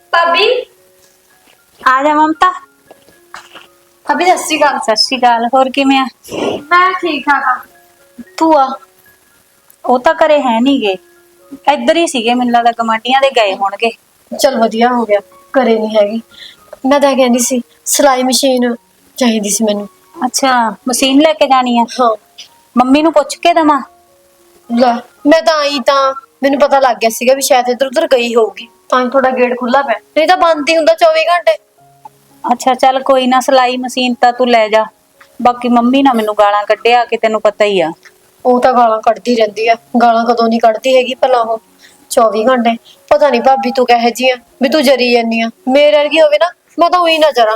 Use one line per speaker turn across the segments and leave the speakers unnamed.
ਭਾਬੀ
ਆ ਜਾ ਮਮਤਾ।
ਭਾਬੀ ਸਤਿ ਸ਼੍ਰੀ ਅਕਾਲ।
ਸਤਿ ਸ਼੍ਰੀ ਅਕਾਲ। ਹੋਰ ਕਿਵੇਂ ਆ?
ਮੈਂ ਠੀਕ ਠਾਕ ਆ।
ਭੂਆ ਉਹ ਤਾਂ ਘਰੇ ਹੈ ਨੀ ਗੇ, ਇੱਧਰ ਹੀ ਸੀਗੇ, ਮੈਨੂੰ ਲੱਗਦਾ ਗਮਾਂਡੀਆਂ ਦੇ ਗਏ ਹੋਣਗੇ।
ਚਲ ਵਧੀਆ ਹੋ ਗਿਆ, ਘਰੇ ਨਹੀਂ ਹੈਗੀ। ਮੈਂ ਤਾਂ ਕਹਿੰਦੀ ਸੀ ਸਿਲਾਈ ਮਸ਼ੀਨ ਚਾਹੀਦੀ ਸੀ ਮੈਨੂੰ।
ਅੱਛਾ, ਮਸ਼ੀਨ ਲੈ ਕੇ ਜਾਣੀ ਆ?
ਹਾਂ।
ਮੰਮੀ ਨੂੰ ਪੁੱਛ ਕੇ ਦਵਾਂ?
ਲੈ, ਮੈਂ ਤਾਂ ਆਈ ਤਾਂ ਮੈਨੂੰ ਪਤਾ ਲੱਗ ਗਿਆ ਸੀਗਾ ਵੀ ਸ਼ਾਇਦ ਇੱਧਰ ਉੱਧਰ ਗਈ ਹੋਊਗੀ, ਤਾਂ ਹੀ ਤੁਹਾਡਾ ਗੇਟ ਖੁੱਲਾ ਪਿਆ, ਨਹੀਂ ਤਾਂ ਬੰਦ ਹੀ ਹੁੰਦਾ 24 ਘੰਟੇ।
ਅੱਛਾ ਚੱਲ ਕੋਈ ਨਾ, ਸਿਲਾਈ ਮਸ਼ੀਨ ਤਾਂ ਤੂੰ ਲੈ ਜਾ, ਬਾਕੀ ਮੰਮੀ ਨਾ ਮੈਨੂੰ ਗਾਲਾਂ ਕੱਢਿਆ ਕਿ ਤੈਨੂੰ ਪਤਾ ਹੀ ਆ।
ਉਹ ਤਾਂ ਗਾਲਾਂ ਕੱਢਦੀ ਰਹਿੰਦੀ ਆ, ਗਾਲਾਂ ਕਦੋਂ ਨਹੀਂ ਕੱਢਦੀ ਹੈਗੀ ਭਲਾ ਉਹ 24 ਘੰਟੇ। ਪਤਾ ਨਹੀਂ ਭਾਬੀ ਤੂੰ ਕਹੇ ਜੀ ਆ ਵੀ ਤੂੰ ਜਰੀ ਜਾਨੀ ਆ, ਮੇਰੇ ਵਰਗੀ ਹੋਵੇ ਨਾ ਮੈਂ ਤਾਂ ਉਹੀ ਨਾ ਜਰਾਂ।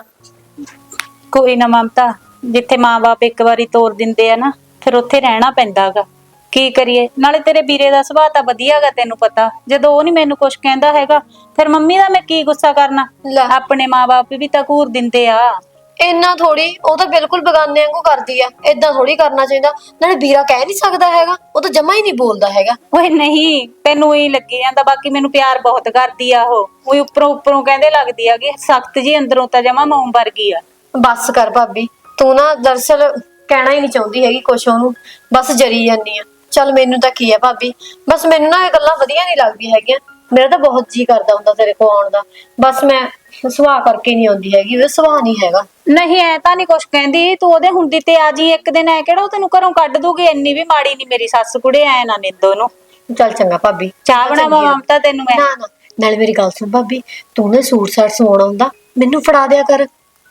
ਕੋਈ ਨਾ ਮਮਤਾ, ਜਿੱਥੇ ਮਾਂ-ਬਾਪ ਇੱਕ ਵਾਰੀ ਤੋਰ ਦਿੰਦੇ ਆ ਨਾ, ਫਿਰ ਉੱਥੇ ਰਹਿਣਾ ਪੈਂਦਾ ਗਾ। ਕੀ ਕਰੀਏ, ਨਾਲੇ ਤੇਰੇ ਵੀਰੇ ਦਾ ਸੁਭਾਅ ਤਾਂ ਵਧੀਆ ਗਾ, ਤੈਨੂੰ ਪਤਾ। ਜਦੋਂ ਉਹ ਨੀ ਮੈਨੂੰ ਕੁਛ ਕਹਿੰਦਾ ਹੈਗਾ, ਫਿਰ ਮੰਮੀ ਦਾ ਮੈਂ ਕੀ ਗੁੱਸਾ ਕਰਨਾ।
ਲੈ
ਆਪਣੇ ਮਾਂ-ਬਾਪ ਵੀ ਤਾਂ ਘੂਰ ਦਿੰਦੇ ਆ।
ਇੰਨਾ ਥੋੜੀ, ਉਹ ਤਾਂ ਬਿਲਕੁਲ ਬੇਗਾਨੇ ਵਾਂਗੂ ਕਰਦੀ ਆ, ਏਦਾਂ ਥੋੜੀ ਕਰਨਾ ਚਾਹੀਦਾ। ਨਾਲੇ ਵੀਰਾ ਕਹਿ ਨਹੀਂ ਸਕਦਾ ਹੈਗਾ, ਉਹ ਤਾਂ ਜਮਾ ਹੀ ਨਹੀਂ ਬੋਲਦਾ ਹੈਗਾ।
ਓਏ ਨਹੀਂ, ਤੈਨੂੰ ਹੀ ਲੱਗੀ ਜਾਂਦਾ, ਬਾਕੀ ਮੈਨੂੰ ਪਿਆਰ ਬਹੁਤ ਕਰਦੀ ਆ ਉਹ। ਉਹੀ ਉੱਪਰੋਂ ਕਹਿੰਦੇ ਲੱਗਦੀ ਆ ਕਿ ਸਖਤ ਜੀ, ਅੰਦਰੋਂ ਤਾਂ ਜਮਾ ਮੋਮ ਵਰਗੀ ਆ।
ਬਸ ਕਰ ਭਾਬੀ, ਤੂੰ ਨਾ ਦਰਅਸਲ ਕਹਿਣਾ ਹੀ ਨਹੀਂ ਚਾਹੁੰਦੀ ਹੈਗੀ ਕੁਛ ਉਹਨੂੰ, ਬਸ ਜਰੀ ਜਾਂਦੀ ਆ। ਚੱਲ ਮੈਨੂੰ ਤਾਂ ਕੀ ਆ ਭਾਬੀ, ਬਸ ਮੈਨੂੰ ਨਾ ਇਹ ਗੱਲਾਂ ਵਧੀਆ ਨਹੀਂ ਲੱਗਦੀਆਂ ਹੈਗੀਆਂ। ਮੇਰਾ ਤਾਂ ਬਹੁਤ ਜੀ ਕਰਦਾ ਹੁੰਦਾ ਤੇਰੇ ਕੋਲ ਆਉਣ ਦਾ, ਬਸ ਮੈਂ ਸੁਭਾਅ ਕਰਕੇ ਨਹੀਂ ਆਉਂਦੀ ਹੈਗੀ, ਉਹਦਾ ਸੁਭਾਅ ਨਹੀਂ ਹੈਗਾ।
ਨਹੀਂ, ਐ ਤਾਂ ਨਹੀਂ ਕੁਛ ਕਹਿੰਦੀ, ਤੂੰ ਉਹਦੇ ਹੁੰਦੀ ਤੇ ਆ ਜੀ ਇੱਕ ਦਿਨ। ਐ ਕਿਹੜਾ ਉਹ ਤੈਨੂੰ ਘਰੋਂ ਕੱਢ ਦੂਗੀ? ਇੰਨੀ ਵੀ ਮਾੜੀ ਨਹੀਂ ਮੇਰੀ ਸੱਸ ਕੁੜੇ, ਐ ਨਾ ਨਿੰਦੋ ਨੂੰ।
ਚੱਲ ਚੰਗਾ ਭਾਬੀ,
ਚਾਹ ਬਣਾਵਾਂ ਮਮਤਾ ਤੈਨੂੰ ਮੈਂ?
ਨਾ ਨਾ, ਨਾਲੇ ਮੇਰੀ ਗੱਲ ਸੁਣ ਭਾਬੀ, ਤੂੰ ਨਾ ਸੂਟ ਸਾਟ ਸਵਾਉਣਾ ਹੁੰਦਾ ਮੈਨੂੰ ਫੜਾ ਦਿਆ ਕਰ।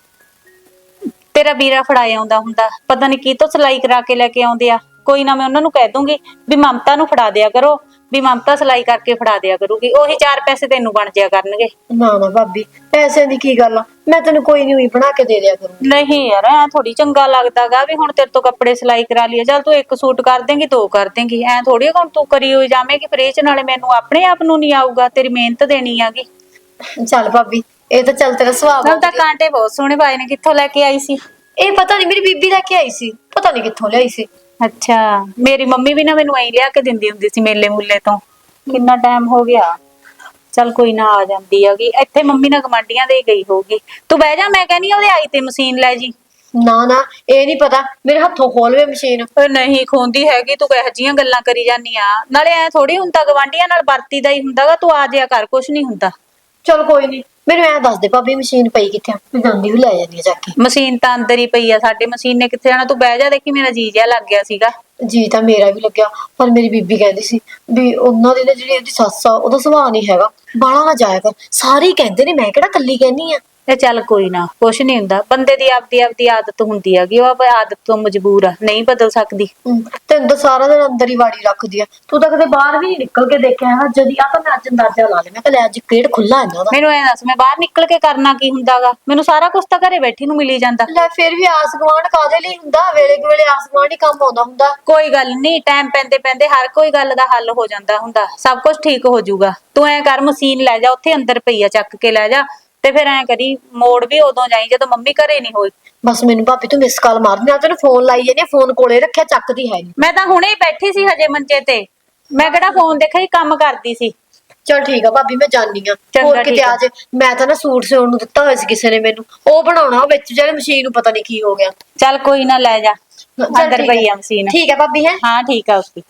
ਤੇਰਾ ਵੀਰਾ ਫੜਾਇਆ ਆਉਂਦਾ ਹੁੰਦਾ, ਪਤਾ ਨਹੀਂ ਕੀ ਤੋਂ ਸਿਲਾਈ ਕਰਾ ਕੇ ਲੈ ਕੇ ਆਉਂਦੇ ਆ। ਕੋਈ ਨਾ, ਮੈਂ ਉਹਨਾਂ ਨੂੰ ਕਹਿ ਦੂੰਗੀ ਵੀ ਮਮਤਾ ਨੂੰ ਫੜਾ ਦਿਆ ਕਰੋ, ਵੀ ਮਮਤਾ ਸਿਲਾਈ ਕਰਕੇ ਫੜਾ ਦਿਆ ਕਰੂਗੀ, ਉਹੀ 4 ਪੈਸੇ ਤੈਨੂੰ ਬਣ ਜਾਇਆ ਕਰਨਗੇ।
ਨਾ ਨਾ ਭਾਬੀ, ਪੈਸਿਆਂ ਦੀ ਕੀ ਗੱਲ ਆ, ਮੈਂ ਤੈਨੂੰ ਕੋਈ ਨਹੀਂ ਬਣਾ ਕੇ ਦੇ ਦਿਆ ਕਰੂੰ।
ਨਹੀਂ ਯਾਰ, ਐ ਥੋੜੀ ਚੰਗਾ ਲੱਗਦਾਗਾ ਵੀ ਹੁਣ ਤੇਰੇ ਤੋਂ ਕੱਪੜੇ ਸਿਲਾਈ ਕਰਾ ਲਈਏ। ਚੱਲ ਤੂੰ 1 ਸੂਟ ਕਰ ਦੇਂਗੀ, 2 ਕਰ ਦੇਂਗੀ, ਐ ਥੋੜੀ ਹੁਣ ਤੂੰ ਕਰੀ ਹੋਈ ਜਾਵੇਂਗੀ ਫਰੇਚ। ਨਾਲੇ ਮੈਨੂੰ ਆਪਣੇ ਆਪ ਨੂੰ ਨਹੀਂ ਆਊਗਾ, ਤੇਰੀ ਮਿਹਨਤ ਦੇਣੀ ਆਗੀ।
ਚੱਲ ਭਾਬੀ, ਇਹ ਤਾਂ ਚੱਲ ਤੇਰਾ ਸੁਭਾਅ
ਨਾਲ
ਬਹੁਤ
ਤਾਂ
ਵਧੀਆ।
ਕਾਂਟੇ ਬਹੁਤ ਸੋਹਣੇ ਪਾਏ ਨੇ, ਕਿੱਥੋਂ ਲੈ ਕੇ ਆਈ ਸੀ?
ਇਹ ਪਤਾ ਨਹੀਂ, ਮੇਰੀ ਬੀਬੀ ਲੈ ਕੇ ਆਈ ਸੀ, ਪਤਾ ਨਹੀਂ ਕਿੱਥੋਂ ਲਿਆਈ ਸੀ।
ਅੱਛਾ, ਮੇਰੀ ਮੰਮੀ ਵੀ ਨਾ ਮੈਨੂੰ ਐਂ ਲਿਆ ਕੇ ਦਿੰਦੀ ਹੁੰਦੀ ਸੀ ਮੇਲੇ ਮੂਲੇ ਤੋਂ। ਕਿੰਨਾ ਟਾਈਮ ਹੋ ਗਿਆ। ਚੱਲ ਕੋਈ ਨਾ, ਆ ਜਾਂਦੀ ਹੈਗੀ ਇੱਥੇ। ਮੰਮੀ ਨਾਲ ਗਮਾਂਡੀਆਂ ਦੇ ਗਈ ਹੋਊਗੀ। ਤੂੰ ਬਹਿ ਜਾ, ਮੈਂ ਕਹਿੰਦੀ ਉਹਦੇ ਆਈ ਤੇ ਮਸ਼ੀਨ ਲੈ ਜੀ।
ਨਾ ਨਾ, ਇਹ ਨਹੀਂ ਪਤਾ, ਮੇਰੇ ਹੱਥੋਂ ਖੋਲਵੇ ਮਸ਼ੀਨ।
ਓਏ ਨਹੀਂ ਖੋਂਦੀ ਹੈਗੀ, ਤੂੰ ਕਿਹੋ ਜਿਹੀਆਂ ਗੱਲਾਂ ਕਰੀ ਜਾਂਦੀ ਆ। ਨਾਲੇ ਐ ਥੋੜੀ ਹੁੰਦਾ, ਗਵਾਂਢੀਆਂ ਨਾਲ ਵਰਤੀਦਾ ਹੀ ਹੁੰਦਾਗਾ। ਤੂੰ ਆ ਜਿਆ ਕਰ, ਕੁਛ ਨਹੀਂ ਹੁੰਦਾ।
ਚਲ ਕੋਈ ਨਹੀਂ, ਮੈਨੂੰ ਐਂ ਦੱਸ ਦੇ ਭਾਬੀ ਮਸ਼ੀਨ ਪਈ ਕਿੱਥੇ ਆ, ਮੈਂ ਜਾਂਦੀ ਵੀ ਲੈ ਜਾਂਦੀ ਆ ਜਾ ਕੇ।
ਮਸ਼ੀਨ ਤਾਂ ਅੰਦਰ ਹੀ ਪਈ ਆ ਸਾਡੇ, ਮਸ਼ੀਨ ਨੇ ਕਿੱਥੇ ਜਾਣਾ। ਤੂੰ ਬਹਿ ਜਾ, ਦੇਖੀ ਮੇਰਾ ਜੀ ਜਿਹਾ ਲੱਗ ਗਿਆ ਸੀਗਾ।
ਜੀ ਤਾਂ ਮੇਰਾ ਵੀ ਲੱਗਿਆ, ਪਰ ਮੇਰੀ ਬੀਬੀ ਕਹਿੰਦੀ ਸੀ ਵੀ ਉਹਨਾਂ ਦੀ ਨਾ ਜਿਹੜੀ ਉਹਦੀ ਸੱਸ ਆ, ਉਹਦਾ ਸੁਭਾਅ ਨਹੀਂ ਹੈਗਾ, ਬਾਹਲਾ ਨਾ ਜਾਇਆ ਕਰ। ਸਾਰੇ ਹੀ ਕਹਿੰਦੇ ਨੇ, ਮੈਂ ਕਿਹੜਾ ਕੱਲੀ ਕਹਿੰਦੀ ਆ।
ਤੇ ਚੱਲ ਕੋਈ ਨਾ, ਕੁਛ ਨਹੀਂ ਹੁੰਦਾ। ਬੰਦੇ ਦੀ ਆਪਦੀ ਆਦਤ ਹੁੰਦੀ ਹੈਗੀ, ਉਹ ਆਦਤ ਤੋਂ ਮਜਬੂਰ ਆ, ਨਹੀਂ ਬਦਲ ਸਕਦੀ।
ਤੈਨੂੰ ਤਾਂ ਸਾਰਾ ਦਿਨ ਅੰਦਰ ਹੀ ਵਾੜੀ ਰੱਖਦੀ ਆ, ਤੂੰ ਤਾਂ ਕਦੇ ਬਾਹਰ ਵੀ ਨਹੀਂ ਨਿਕਲ ਕੇ ਦੇਖਿਆ ਹੈਗਾ। ਜਦੀ ਆ ਤਾਂ ਮੈਂ ਅੱਜ ਅੰਦਾਜ਼ਾ ਲਾ ਲਿਆ, ਮੈਂ ਕਿਹਾ ਲੈ ਅੱਜ ਗੇਟ ਖੁੱਲਾ ਇਹਨਾਂ ਦਾ।
ਮੈਨੂੰ ਐ ਦੱਸ, ਮੈਂ ਬਾਹਰ ਨਿਕਲ ਕੇ ਕਰਨਾ ਕੀ ਹੁੰਦਾਗਾ? ਮੈਨੂੰ ਸਾਰਾ ਕੁਝ ਤਾਂ ਘਰੇ ਬੈਠੀ ਨੂੰ ਮਿਲੀ ਜਾਂਦਾ।
ਲੈ ਫਿਰ ਵੀ ਆਸ ਗੁਆਂਢ ਕਾਹਦੇ ਲਈ ਹੁੰਦਾ, ਵੇਲੇ ਕੁ ਵੇਲੇ ਆਸ ਗੁਆਂਢ ਹੀ ਕੰਮ ਆਉਂਦਾ ਹੁੰਦਾ।
ਕੋਈ ਗੱਲ ਨਹੀਂ, ਟਾਈਮ ਪੈਂਦੇ ਪੈਂਦੇ ਹਰ ਕੋਈ ਗੱਲ ਦਾ ਹੱਲ ਹੋ ਜਾਂਦਾ ਹੁੰਦਾ, ਸਭ ਕੁਝ ਠੀਕ ਹੋ ਜਾਊਗਾ। ਤੂੰ ਐ ਕਰ, ਮਸ਼ੀਨ ਲੈ ਜਾ, ਉੱਥੇ ਅੰਦਰ ਪਈ ਆ, ਚੱਕ ਕੇ ਲੈ ਜਾ। ਤੇ ਫਿਰ ਐ ਕਰੀ, ਮੋੜ ਵੀ ਉਦੋਂ ਜਾਈ ਜਦੋਂ ਮੰਮੀ ਘਰੇ ਨਹੀਂ ਹੋਈ।
ਬਸ ਮੈਨੂੰ ਭਾਬੀ ਤੂੰ ਮਿਸ ਕਾਲ ਮਾਰਦੀ, ਨਾਲ ਤੈਨੂੰ ਫੋਨ ਲਾਈ ਜਾਂਦੀ ਆ, ਫੋਨ ਕੋਲੇ ਰੱਖਿਆ, ਚੱਕਦੀ ਹੈ ਨਹੀਂ।
ਮੈਂ ਤਾਂ ਹੁਣੇ ਹੀ ਬੈਠੀ ਸੀ ਹਜੇ ਮੰਜੇ ਤੇ, ਮੈਂ ਕਿਹੜਾ ਫੋਨ ਦੇਖਿਆ ਹੀ, ਕੰਮ ਕਰਦੀ ਸੀ।
ਚਲ ਠੀਕ ਆ ਭਾਬੀ, ਮੈਂ ਜਾਣੀ ਆ। ਹੋਰ
ਚੰਗਾ,
ਕਿਤੇ
ਠੀਕ ਆ।
ਆ ਜੇ, ਮੈਂ ਤਾਂ ਨਾ ਸੂਟ ਸਿਉਣ ਨੂੰ ਦਿੱਤਾ ਹੋਇਆ ਸੀ ਕਿਸੇ ਨੇ ਮੈਨੂੰ, ਉਹ ਬਣਾਉਣਾ, ਉਹ ਵਿੱਚ ਜਿਹੜੇ ਮਸ਼ੀਨ ਨੂੰ ਪਤਾ ਨਹੀਂ ਕੀ ਹੋ ਗਿਆ।
ਚੱਲ ਕੋਈ ਨਾ, ਲੈ ਜਾ,
ਚੱਲ
ਅੰਦਰ
ਠੀਕ
ਪਈ
ਹੈ।
ਆ ਮਸ਼ੀਨ।
ਠੀਕ ਹੈ ਭਾਬੀ, ਹੈ
ਹਾਂ ਠੀਕ ਆ ਉਸਦੀ।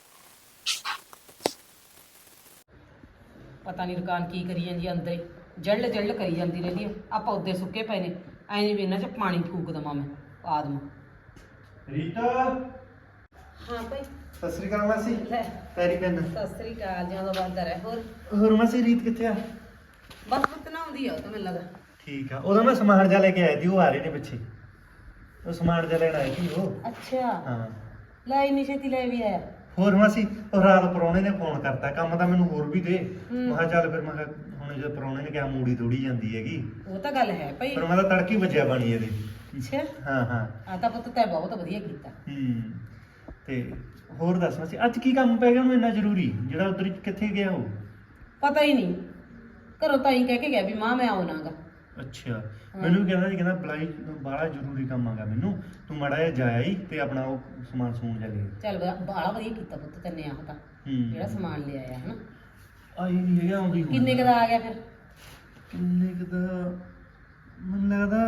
ਪਤਾ ਨਹੀਂ ਦੁਕਾਨ ਕੀ ਕਰੀ ਜਾਂਦੀ ਆ, ਅੰਦਰ ਹੀ ਜੱਲ ਕਰੀ ਜਾਂਦੀ ਰਹਿੰਦੀ ਆ। ਆ ਪੌਦੇ ਸੁੱਕੇ ਪਏ ਨੇ, ਐਂ ਜਿਵੇਂ ਇਹਨਾਂ 'ਚ ਪਾਣੀ ਫੂਕ ਦੇਵਾਂ ਮੈਂ ਆਦਮ।
ਰੀਤਾ,
ਹਾਂ ਭਾਈ।
ਸਤਿ ਸ੍ਰੀ ਅਕਾਲ ਮਾਸੀ।
ਲੈ,
ਪੈਰੀ ਪੈਨ।
ਸਤਿ ਸ੍ਰੀ ਅਕਾਲ, ਜਿਆਦਾ ਬੰਦਾ ਰਹਿ।
ਹੋਰ ਮਾਸੀ, ਰੀਤ ਕਿੱਥੇ ਆ?
ਬਸ ਪੁੱਤ ਨਾ ਆਉਂਦੀ ਆ, ਉਹ ਤਾਂ ਮੈਨੂੰ ਲੱਗਾ।
ਠੀਕ ਆ, ਉਹਦਾ ਮੈਂ ਸਮਾਨ ਜਾ ਲੈ ਕੇ ਆਇਆ ਸੀ, ਉਹ ਆ ਰਹੇ ਨੇ ਪਿੱਛੇ। ਉਹ ਸਮਾਨ ਜਾ ਲੈਣ ਆਏ ਸੀ ਉਹ।
ਅੱਛਾ,
ਹਾਂ।
ਲੈ ਇੰਨੀ ਛੇਤੀ ਲੈ ਵੀ ਆਇਆ।
ਹੋਰ ਮਾਸੀ, ਉਹ ਰਾਤ ਪ੍ਰਾਹੁਣੇ ਨੇ ਫੋਨ ਕਰਤਾ, ਕੰਮ ਤਾਂ ਮੈਨੂੰ ਹੋਰ ਵੀ ਦੇ। ਮੈਂ ਕਿਹਾ ਚੱਲ, ਫਿਰ ਮੈਂ ਕਿਹਾ ਹੁਣ ਜੇ ਪ੍ਰਾਹੁਣੇ ਨੇ ਕਿਹਾ ਮੂੜੀ ਤੋੜੀ ਜਾਂਦੀ ਹੈਗੀ,
ਉਹ ਤਾਂ ਗੱਲ ਹੈ ਭਾਈ।
ਪਰ ਮੈਂ ਤਾਂ ਤੜਕੀ ਵੱਜਿਆ ਪਾਣੀ ਇਹਦੇ।
ਅੱਛਾ,
ਹਾਂ ਹਾਂ।
ਆ ਤਾਂ ਪੁੱਤ ਤੈਂ ਬਹੁਤ ਵਧੀਆ ਕੀਤਾ।
ਤੇ ਹੋਰ ਦੱਸ ਮਾਸੀ, ਅੱਜ ਕੀ ਕੰਮ ਪੈ ਗਿਆ ਉਹਨੂੰ ਇੰਨਾ ਜ਼ਰੂਰੀ, ਜਿਹੜਾ ਉਧਰ ਕਿੱਥੇ ਗਿਆ ਉਹ?
ਪਤਾ ਹੀ ਨਹੀਂ, ਘਰੋਂ ਤਾਂ ਹੀ ਕਹਿ ਕੇ ਗਿਆ ਵੀ ਮਾਂ ਮੈਂ ਆਉਣਾਗਾ।
ਅੱਛਾ, ਮੈਨੂੰ ਵੀ ਕਹਿੰਦਾ ਸੀ, ਕਹਿੰਦਾ ਬਲਾਈ ਬਾਹਲਾ ਜ਼ਰੂਰੀ ਕੰਮ ਆਗਾ ਮੈਨੂੰ, ਤੂੰ ਮਾੜਾ ਜਿਹਾ ਜਾਇਆ ਹੀ ਤੇ ਆਪਣਾ ਉਹ ਸਮਾਨ ਸਮੂਨ ਜਾ ਲੈ।
ਚੱਲ ਬਾਹਲਾ ਵਧੀਆ ਕੀਤਾ ਪੁੱਤ ਤੈਨੇ, ਆਹ ਤਾਂ ਜਿਹੜਾ ਸਮਾਨ ਲਿਆਇਆ ਹਨਾ।
ਆਈ ਨਹੀਂ ਹੈਗਾ, ਆਉਂਦੀ
ਕਿੰਨੇ ਕੁ ਦਾ ਆ ਗਿਆ ਫਿਰ?
ਕਿੰਨੇ ਕੁ ਦਾ ਮੈਨੂੰ ਲੱਗਦਾ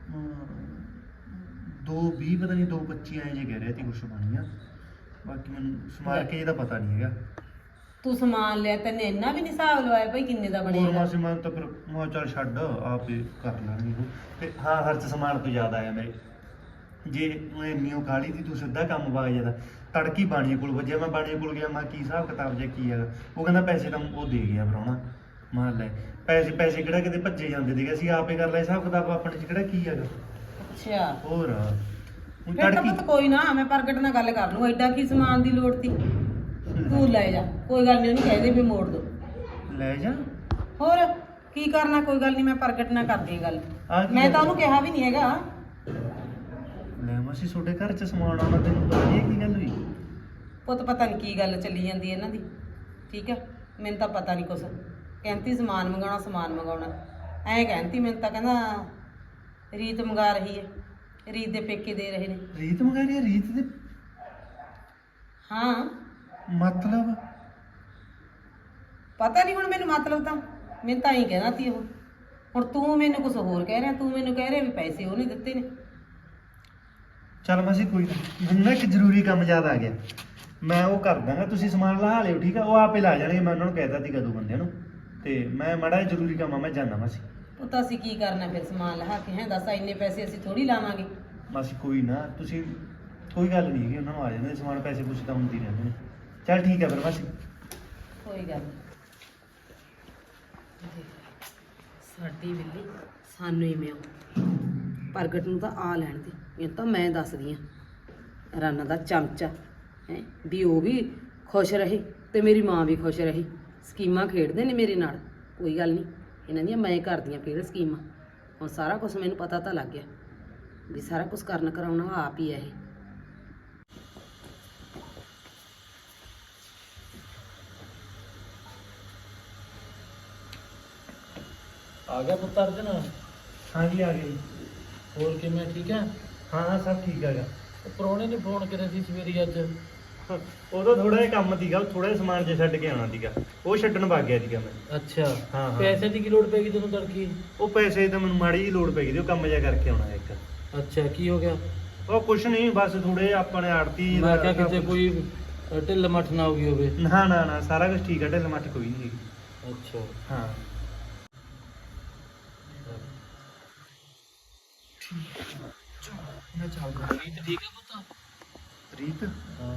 2:20 ਪਤਾ ਨਹੀਂ 2:25 ਐਂ ਜੇ ਕਹਿ ਰਿਹਾ ਸੀ ਕੁਛ ਬਣੀਆਂ। ਬਾਕੀ ਮੈਨੂੰ ਸਮਾਰ ਕੇ ਇਹਦਾ ਪਤਾ ਨਹੀਂ ਹੈਗਾ।
ਤੂੰ ਸਮਾਨ ਲਿਆ ਤੈਨੇ ਇੰਨਾ ਵੀ ਨਹੀਂ ਹਿਸਾਬ ਲਵਾਇਆ ਭਾਈ ਕਿੰਨੇ ਦਾ
ਹੋਰ
ਬਣੇਗਾ।
ਮਾਸੀ ਮੈਂ ਤਾਂ ਫਿਰ ਮੈਂ ਚੱਲ ਛੱਡ ਆਪੇ ਕਰ ਲੈਣਗੇ ਉਹ। ਤੇ ਹਾਂ ਖਰਚ ਸਮਾਨ ਤੋਂ ਜ਼ਿਆਦਾ ਆਇਆ ਮੇਰੇ। ਜੇ ਮੈਂ ਇੰਨੀ ਕਾਲੀ ਦੀ ਤੂੰ ਸਿੱਧਾ ਕੰਮ ਪਾ ਜਾਂਦਾ ਤੜਕੀ ਬਾਣੀਏ ਕੋਲ ਵੱਜਿਆ। ਮੈਂ ਬਾਣੀਏ ਕੋਲ ਗਿਆ, ਮੈਂ ਕੀ ਹਿਸਾਬ ਕਿਤਾਬ ਜਾਂ ਕੀ ਹੈਗਾ। ਉਹ ਕਹਿੰਦਾ ਪੈਸੇ ਤਾਂ ਉਹ ਦੇ ਗਿਆ ਪ੍ਰਾਹੁਣਾ। ਮੈਂ ਲੈ ਪੈਸੇ ਕਿਹੜਾ ਕਿਤੇ ਭੱਜੇ ਜਾਂਦੇ ਸੀਗੇ, ਅਸੀਂ ਆਪੇ ਕਰ ਲਿਆ ਹਿਸਾਬ ਕਿਤਾਬ। ਆਪਣੇ 'ਚ ਕਿਹੜਾ ਕੀ ਹੈਗਾ।
ਅੱਛਾ
ਹੋਰ ਹੁਣ
ਫਿਰ ਤਾਂ
ਤੜਕੀ
ਪੁੱਤ ਕੋਈ ਨਾ, ਮੈਂ ਪ੍ਰਗਟ ਨਾਲ ਗੱਲ ਕਰ ਲੂੰ। ਐਡਾ ਕੀ ਸਮਾਨ ਦੀ ਲੋੜ ਤੀ, ਤੂੰ ਲੈ ਜਾ, ਕੋਈ ਗੱਲ ਨਹੀਂ, ਉਹਨੂੰ ਕਹਿ ਦੇ ਵੀ ਮੋੜ ਦੋ।
ਲੈ ਜਾ।
ਹੋਰ ਕੀ ਕਰਨਾ, ਕੋਈ ਗੱਲ ਨਹੀਂ, ਮੈਂ ਪ੍ਰਗਟ ਨਾਲ ਕਰਦੀ ਹਾਂ ਗੱਲ।
ਆਹ ਕੀ
ਮੈਂ ਤਾਂ
ਗੱਲ?
ਉਹਨੂੰ ਕਿਹਾ ਵੀ ਨਹੀਂ ਹੈਗਾ।
ਲੈ ਮਾਸੀ ਤੁਹਾਡੇ ਘਰ 'ਚ ਸਮਾਨ ਆਉਣਾ ਤੈਨੂੰ ਪਤਾ ਨਹੀਂ ਕੀ ਗੱਲ ਹੋਈ।
ਪੁੱਤ ਪਤਾ ਨਹੀਂ ਕੀ ਗੱਲ ਚੱਲੀ ਜਾਂਦੀ ਹੈ ਇਹਨਾਂ ਦੀ। ਠੀਕ ਹੈ, ਮੈਨੂੰ ਤਾਂ ਪਤਾ ਨਹੀਂ ਕੁਛ। ਕਹਿੰਦੀ ਸਮਾਨ ਮੰਗਾਉਣਾ ਐਂ ਕਹਿੰਦੀ। ਮੈਨੂੰ ਤਾਂ ਕਹਿੰਦਾ ਰੀਤ ਮੰਗਾ ਰਹੀ ਹੈ, ਰੀਤ ਦੇ ਪੇਕੇ ਦੇ ਰਹੇ ਨੇ।
ਰੀਤ ਮੰਗਾ ਰਹੀ ਹੈ? ਰੀਤ ਦੇ
ਹਾਂ
ਮਤਲਬ
ਪਤਾ ਨਹੀਂ ਹੁਣ ਮੈਨੂੰ, ਮਤਲਬ ਤਾਂ ਮੈਨੂੰ ਤਾਂ ਹੀ ਕਹਿਣਾ ਤੀ ਉਹ। ਹੁਣ ਤੂੰ ਮੈਨੂੰ ਕੁਝ ਹੋਰ ਕਹਿ ਰਿਹਾ, ਤੂੰ ਮੈਨੂੰ ਕਹਿ ਰਿਹਾ ਵੀ ਪੈਸੇ ਉਹਨੇ ਦਿੱਤੇ ਨੇ।
ਚੱਲ ਮਾਸੀ ਕੋਈ ਨਾ, ਮੈਨੂੰ ਨਾ ਇੱਕ ਜ਼ਰੂਰੀ ਕੰਮ ਯਾਦ ਆ ਗਿਆ। ਮੈਂ ਉਹ ਕਰ ਦਾਂਗਾ, ਤੁਸੀਂ ਸਮਾਨ ਲਾ ਲਿਓ ਠੀਕ ਆ। ਉਹ ਆਪੇ ਲਾ ਜਾਣਗੇ, ਮੈਂ ਉਹਨਾਂ ਨੂੰ ਕਹਿ ਦਿੱਤਾ ਸੀਗਾ 2 ਬੰਦਿਆਂ ਨੂੰ। ਤੇ ਮੈਂ ਮਾੜਾ ਜਿਹਾ ਜ਼ਰੂਰੀ ਕੰਮ ਆ, ਮੈਂ ਜਾਂਦਾ ਮਾਸੀ।
ਉਹ ਤਾਂ ਅਸੀਂ ਕੀ ਕਰਨਾ ਫਿਰ ਸਮਾਨ ਲਹਾ ਕੇ? ਹੈ ਦੱਸ, ਇੰਨੇ ਪੈਸੇ ਅਸੀਂ ਥੋੜੀ ਲਾਵਾਂਗੇ।
ਮਾਸੀ ਕੋਈ ਨਾ, ਤੁਸੀਂ ਕੋਈ ਗੱਲ ਨਹੀਂ ਹੈਗੀ, ਉਹਨਾਂ ਨੂੰ ਆ ਜਾਂਦੇ ਸਮਾਨ। ਪੈਸੇ ਪੂਸੇ ਤਾਂ ਹੁੰਦੀ ਰਹਿੰਦੇ ਨੇ। ਚੱਲ ਠੀਕ ਹੈ ਫਿਰ ਮਾਸੀ।
ਕੋਈ ਗੱਲ ਨੀ। ਸਾਡੀ ਬਿੱਲੀ ਸਾਨੂੰ ਹੀ ਮਿਆਉ। ਪ੍ਰਗਟ ਨੂੰ ਤਾਂ ਆ ਲੈਣ ਦੇ, ਇਹ ਤਾਂ ਮੈਂ ਦੱਸਦੀ ਆ। ਰਾਨਾ ਦਾ ਚਮਚਾ ਹੈ ਵੀ ਉਹ ਵੀ ਖੁਸ਼ ਰਹੇ ਤੇ ਮੇਰੀ ਮਾਂ ਵੀ ਖੁਸ਼ ਰਹੀ। ਸਕੀਮਾਂ ਖੇਡਦੇ ਨੇ ਮੇਰੇ ਨਾਲ। ਕੋਈ ਗੱਲ ਨਹੀਂ, ਇਹਨਾਂ ਦੀਆਂ ਮੈਂ ਕਰਦੀਆਂ ਫਿਰ ਸਕੀਮਾਂ। ਹੁਣ ਸਾਰਾ ਕੁਝ ਮੈਨੂੰ ਪਤਾ ਤਾਂ ਲੱਗ ਗਿਆ ਵੀ ਸਾਰਾ ਕੁਝ ਕਰਨ ਕਰਾਉਣਾ ਆਪ ਹੀ ਹੈ ਇਹ।
ਆ ਗਿਆ ਪੁੱਤ ਅਰਜਨ?
ਹਾਂਜੀ ਆ ਗਏ।
ਹੋਰ ਕਿਵੇਂ, ਠੀਕ ਹੈ?
ਹਾਂ ਸਭ ਠੀਕ ਹੈਗਾ।
ਉਹ ਪ੍ਰਾਹੁਣੇ ਨੇ ਫੋਨ ਕਰਿਆ ਸੀ ਸਵੇਰੇ ਅੱਜ।
ਉਦੋਂ ਥੋੜਾ ਜਿਹਾ ਕੰਮ ਸੀਗਾ, ਥੋੜਾ ਜਿਹਾ ਸਮਾਨ ਜੇ ਛੱਡ ਕੇ ਆਉਣਾ ਸੀਗਾ, ਉਹ ਛੱਡਣ ਵਗ ਗਿਆ ਸੀਗਾ ਮੈਂ।
ਅੱਛਾ,
ਹਾਂ।
ਪੈਸੇ ਦੀ ਕੀ ਲੋੜ ਪੈਗੀ ਤੈਨੂੰ ਤੜਕੀ?
ਉਹ ਪੈਸੇ ਤਾਂ ਮੈਨੂੰ ਮਾੜੀ ਜਿਹੀ ਲੋੜ ਪੈ ਗਈ ਸੀ, ਉਹ ਕੰਮ ਜਿਹਾ ਕਰਕੇ ਆਉਣਾ ਇੱਕ।
ਅੱਛਾ, ਕੀ ਹੋ ਗਿਆ?
ਉਹ ਕੁਛ ਨਹੀਂ, ਬਸ ਥੋੜੇ ਆਪਣੇ ਆੜਤੀ
ਮੈਂ ਕਿਹਾ ਕਿਤੇ ਕੋਈ ਢਿੱਲ ਮੱਠ ਨਾ ਹੋ ਗਈ ਹੋਵੇ।
ਨਾ ਸਾਰਾ ਕੁਝ ਠੀਕ ਹੈ, ਢਿੱਲ ਮੱਠ ਕੋਈ ਨਹੀਂ ਹੈਗੀ।
ਅੱਛਾ,
ਹਾਂ ਮੈਂ ਚੱਲਦਾ।
ਰੀਤ ਠੀਕ ਹੈ ਪੁੱਤ?
ਰੀਤ
ਹਾਂ।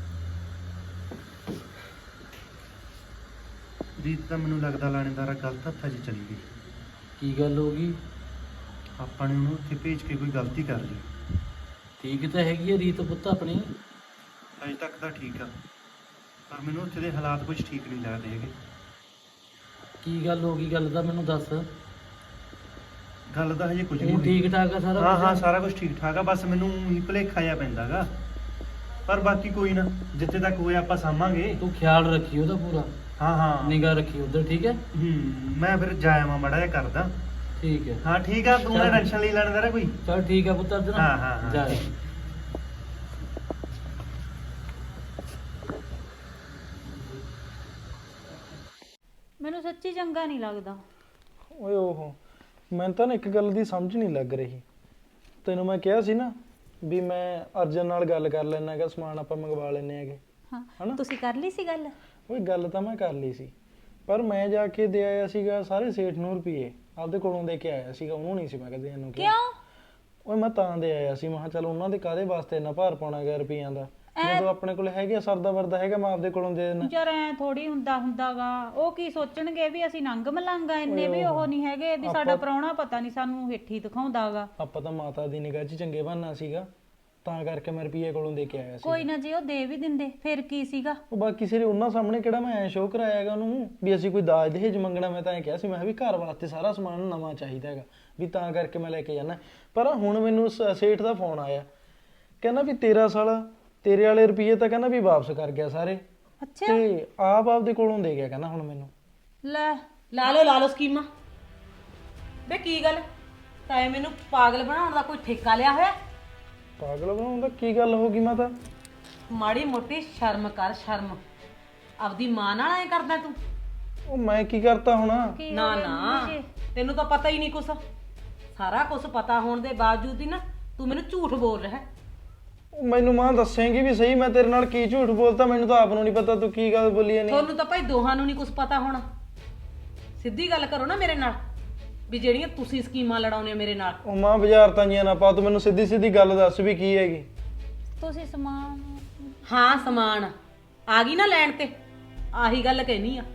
ਰੀਤ ਤਾਂ ਮੈਨੂੰ ਲੱਗਦਾ ਲਾਣੇਦਾਰਾ ਗਲਤ ਹੱਥਾਂ 'ਚ ਚਲੀ ਗਈ।
ਕੀ ਗੱਲ ਹੋ ਗਈ?
ਆਪਾਂ ਨੇ ਉਹਨੂੰ ਉੱਥੇ ਭੇਜ ਕੇ ਕੋਈ ਗਲਤੀ ਕਰ ਲਈ।
ਠੀਕ ਤਾਂ ਹੈਗੀ ਹੈ ਰੀਤ ਪੁੱਤ ਆਪਣੀ।
ਅਜੇ ਤੱਕ ਤਾਂ ਠੀਕ ਆ, ਪਰ ਮੈਨੂੰ ਉੱਥੇ ਦੇ ਹਾਲਾਤ ਕੁਝ ਠੀਕ ਨਹੀਂ ਲੱਗਦੇ ਹੈਗੇ।
ਕੀ ਗੱਲ ਹੋ ਗਈ? ਗੱਲ ਤਾਂ ਮੈਨੂੰ ਦੱਸ।
ਗੱਲ ਤਾਂ ਹਜੇ ਕੁਝ ਨਹੀਂ
ਉਹ
ਹੋਈ।
ਠੀਕ ਠਾਕ ਆ ਸਾਰਾ
ਹਾਂ
ਕੁਛ?
ਹਾਂ ਸਾਰਾ ਕੁਝ ਠੀਕ ਠਾਕ ਆ, ਬਸ ਮੈਨੂੰ ਹੀ ਭੁਲੇਖਾ ਜਿਹਾ ਪੈਂਦਾਗਾ। ਪਰ ਬਾਕੀ ਕੋਈ ਨਾ, ਜਿੱਥੇ ਤੱਕ ਹੋਇਆ ਆਪਾਂ ਸਾਂਭਾਂਗੇ।
ਤੂੰ ਖਿਆਲ ਰੱਖੀ ਉਹਦਾ ਪੂਰਾ,
ਹਾਂ
ਨਿਗਾਹ ਰੱਖੀ ਉਧਰ, ਠੀਕ ਹੈ?
ਮੈਂ ਫਿਰ ਜਾਇਆ ਮਾੜਾ ਜਿਹਾ ਕਰਦਾ।
ਠੀਕ ਹੈ।
ਹਾਂ ਠੀਕ ਆ, ਤੂੰ ਨਾ ਟੈਨਸ਼ਨ ਲਈ ਲਾਣੇਦਾਰਾ ਕੋਈ।
ਚਲ ਠੀਕ ਹੈ ਪੁੱਤ ਅਰਜਨ।
ਹਾਂ
ਜਾ।
ਮੈਨੂੰ ਸੱਚੀ ਚੰਗਾ ਨਹੀਂ ਲੱਗਦਾ।
ਓਏ ਓਹੋ, ਮੈਨੂੰ ਤਾਂ ਨਾ ਇੱਕ ਗੱਲ ਦੀ ਸਮਝ ਨਹੀਂ ਲੱਗ ਰਹੀ। ਤੈਨੂੰ ਮੈਂ ਕਿਹਾ ਸੀ ਨਾ ਵੀ ਮੈਂ ਅਰਜਨ ਨਾਲ ਗੱਲ ਕਰ ਲੈਣਾ ਹੈਗਾ, ਸਮਾਨ ਆਪਾਂ ਮੰਗਵਾ ਲੈਣੇ ਹੈਗੇ।
ਹਾਂ,
ਹਨਾ?
ਤੁਸੀਂ ਕਰ ਲਈ ਸੀ ਗੱਲ?
ਓਏ ਗੱਲ ਤਾਂ ਮੈਂ ਕਰ ਲਈ ਸੀ, ਪਰ ਮੈਂ ਜਾ ਕੇ ਦੇ ਆਇਆ ਸੀਗਾ ਸਾਰੇ ਸੇਠ ਨੂੰ ਰੁਪਏ, ਆਪਦੇ ਕੋਲੋਂ ਦੇ ਕੇ ਆਇਆ ਸੀਗਾ। ਉਹਨੂੰ ਨਹੀਂ ਸੀ ਮੈਂ ਕਦੇ ਇਹਨੂੰ ਕਿਹਾ।
ਕਿਉਂ?
ਓਏ ਮੈਂ ਤਾਂ ਦੇ ਆਇਆ ਸੀ, ਮੈਂ ਕਿਹਾ ਚੱਲ ਉਹਨਾਂ ਦੇ ਕਾਹਦੇ ਵਾਸਤੇ ਇੰਨਾ ਭਾਰ ਪਾਉਣਾ ਗਿਆ ਰੁਪਈਆਂ ਦਾ। ਜਦੋਂ ਆਪਣੇ ਕੋਲ ਹੈਗੇ ਸਰਦਾ ਵਰਦਾ ਹੈਗਾ, ਮੈਂ ਆਪਦੇ ਕੋਲੋਂ ਦੇ ਦੇਣਾ।
ਯਾਰ ਐ ਥੋੜੀ ਹੁੰਦਾਗਾ। ਉਹ ਕੀ ਸੋਚਣਗੇ ਵੀ ਅਸੀਂ ਨੰਗ ਮਲੰਗਾ, ਇੰਨੇ ਵੀ ਉਹ ਨਹੀਂ ਹੈਗੇ ਵੀ ਸਾਡਾ ਪ੍ਰਾਹੁਣਾ ਪਤਾ ਨਹੀਂ ਸਾਨੂੰ ਹੇਠੀ ਦਿਖਾਉਂਦਾਗਾ।
ਆਪਾਂ ਤਾਂ ਮਾਤਾ ਦੀ ਨਿਗਾਹ 'ਚ ਚੰਗੇ ਬਣਨਾ ਸੀਗਾ, ਤਾਂ ਕਰਕੇ ਮੈਂ ਰੁਪਈਏ ਕੋਲੋਂ ਦੇ ਕੇ ਆਇਆ ਸੀ।
ਕੋਈ ਨਾ, ਜੇ ਉਹ ਦੇ ਵੀ ਦਿੰਦੇ ਫਿਰ ਕੀ ਸੀਗਾ।
ਉਹ ਬਾਕੀ ਸਿਰੇ ਉਹਨਾਂ ਸਾਹਮਣੇ ਕਿਹੜਾ ਮੈਂ ਐ ਸ਼ੋਅ ਕਰਾਇਆ ਹੈਗਾ ਉਹਨੂੰ ਵੀ ਅਸੀਂ ਕੋਈ ਦਾਜ ਦਹੇਜ ਮੰਗਣਾ। ਮੈਂ ਤਾਂ ਐ ਕਿਹਾ ਸੀ, ਮੈਂ ਵੀ ਘਰ ਵਾਸਤੇ ਸਾਰਾ ਸਮਾਨ ਨਵਾਂ ਚਾਹੀਦਾ ਹੈਗਾ, ਵੀ ਤਾਂ ਕਰਕੇ ਮੈਂ ਲੈ ਕੇ ਜਾਣਾ। ਪਰ ਹੁਣ ਮੈਨੂੰ ਸੇਠ ਦਾ ਫੋਨ ਆਇਆ, ਕਹਿੰਦਾ ਵੀ ਤੇਰਾ ਸਾਲਾ ਤੇਰੇ ਵਾਲੇ ਰੁਪਈਏ ਤਾਂ ਕਹਿੰਦਾ ਵੀ ਵਾਪਸ ਕਰ ਗਿਆ ਸਾਰੇ,
ਅੱਛਾ,
ਤੇ ਆਪਦੇ ਕੋਲੋਂ ਦੇ ਗਿਆ ਕਹਿੰਦਾ ਹੁਣ ਮੈਨੂੰ।
ਲੈ
ਲਾ ਲਓ ਸਕੀਮਾਂ। ਵੇ ਕੀ ਗੱਲ, ਤਾਂ ਮੈਨੂੰ ਪਾਗਲ ਬਣਾਉਣ ਦਾ ਕੋਈ ਠੇਕਾ ਲਿਆ ਹੋਇਆ?
ਪਾਗਲ ਬਣਾਉਣ ਦਾ ਕੀ ਗੱਲ ਹੋ ਗਈ ਮਾਤਾ?
ਮਾੜੀ ਮੋਟੀ ਸ਼ਰਮ ਕਰ, ਸ਼ਰਮ। ਆਪਦੀ ਮਾਂ ਨਾਲ ਐ ਕਰਦਾ ਤੂੰ?
ਉਹ ਮੈਂ ਕੀ ਕਰਤਾ ਹੋਣਾ?
ਕੀ
ਨਾ
ਹੋ ਗਿਆ
ਨਾ
ਮੰਮੀ ਜੀ?
ਤੈਨੂੰ ਤਾਂ ਪਤਾ ਹੀ ਨਹੀਂ ਕੁਛ। ਸਾਰਾ ਕੁਝ ਪਤਾ ਹੋਣ ਦੇ ਬਾਵਜੂਦ ਹੀ ਨਾ ਤੂੰ ਮੈਨੂੰ ਝੂਠ ਬੋਲ ਰਿਹਾ ਹੈ।
ਉਹ ਮੈਨੂੰ ਮਾਂ ਦੱਸੇਂਗੀ ਵੀ ਸਹੀ ਮੈਂ ਤੇਰੇ ਨਾਲ ਕੀ ਝੂਠ ਬੋਲਤਾ? ਮੈਨੂੰ ਤਾਂ ਆਪ ਨੂੰ ਨਹੀਂ ਪਤਾ ਤੂੰ ਕੀ ਗੱਲ ਬੋਲੀ ਨਹੀਂ।
ਤੁਹਾਨੂੰ ਤਾਂ ਭਾਈ ਦੋਹਾਂ ਨੂੰ ਨਹੀਂ ਕੁਝ ਪਤਾ ਹੋਣਾ। ਸਿੱਧੀ ਗੱਲ ਕਰੋ ਨਾ ਮੇਰੇ ਨਾਲ ਵੀ ਜਿਹੜੀਆਂ ਤੁਸੀਂ ਸਕੀਮਾਂ ਲੜਾਉਣੇ ਮੇਰੇ ਨਾਲ।
ਉਹ ਮਾਂ ਬਾਜ਼ਾਰ ਤਾਂੀਆਂ ਨਾ ਪਾ, ਤੂੰ ਮੈਨੂੰ ਸਿੱਧੀ ਸਿੱਧੀ ਗੱਲ ਦੱਸ ਵੀ ਕੀ ਹੈਗੀ।
ਤੁਸੀਂ ਸਮਾਨ
ਹਾਂ ਸਮਾਨ ਆ ਗਈ ਨਾ ਲੈਣ ਤੇ, ਆਹੀ ਗੱਲ ਕਹਿਨੀ ਆ।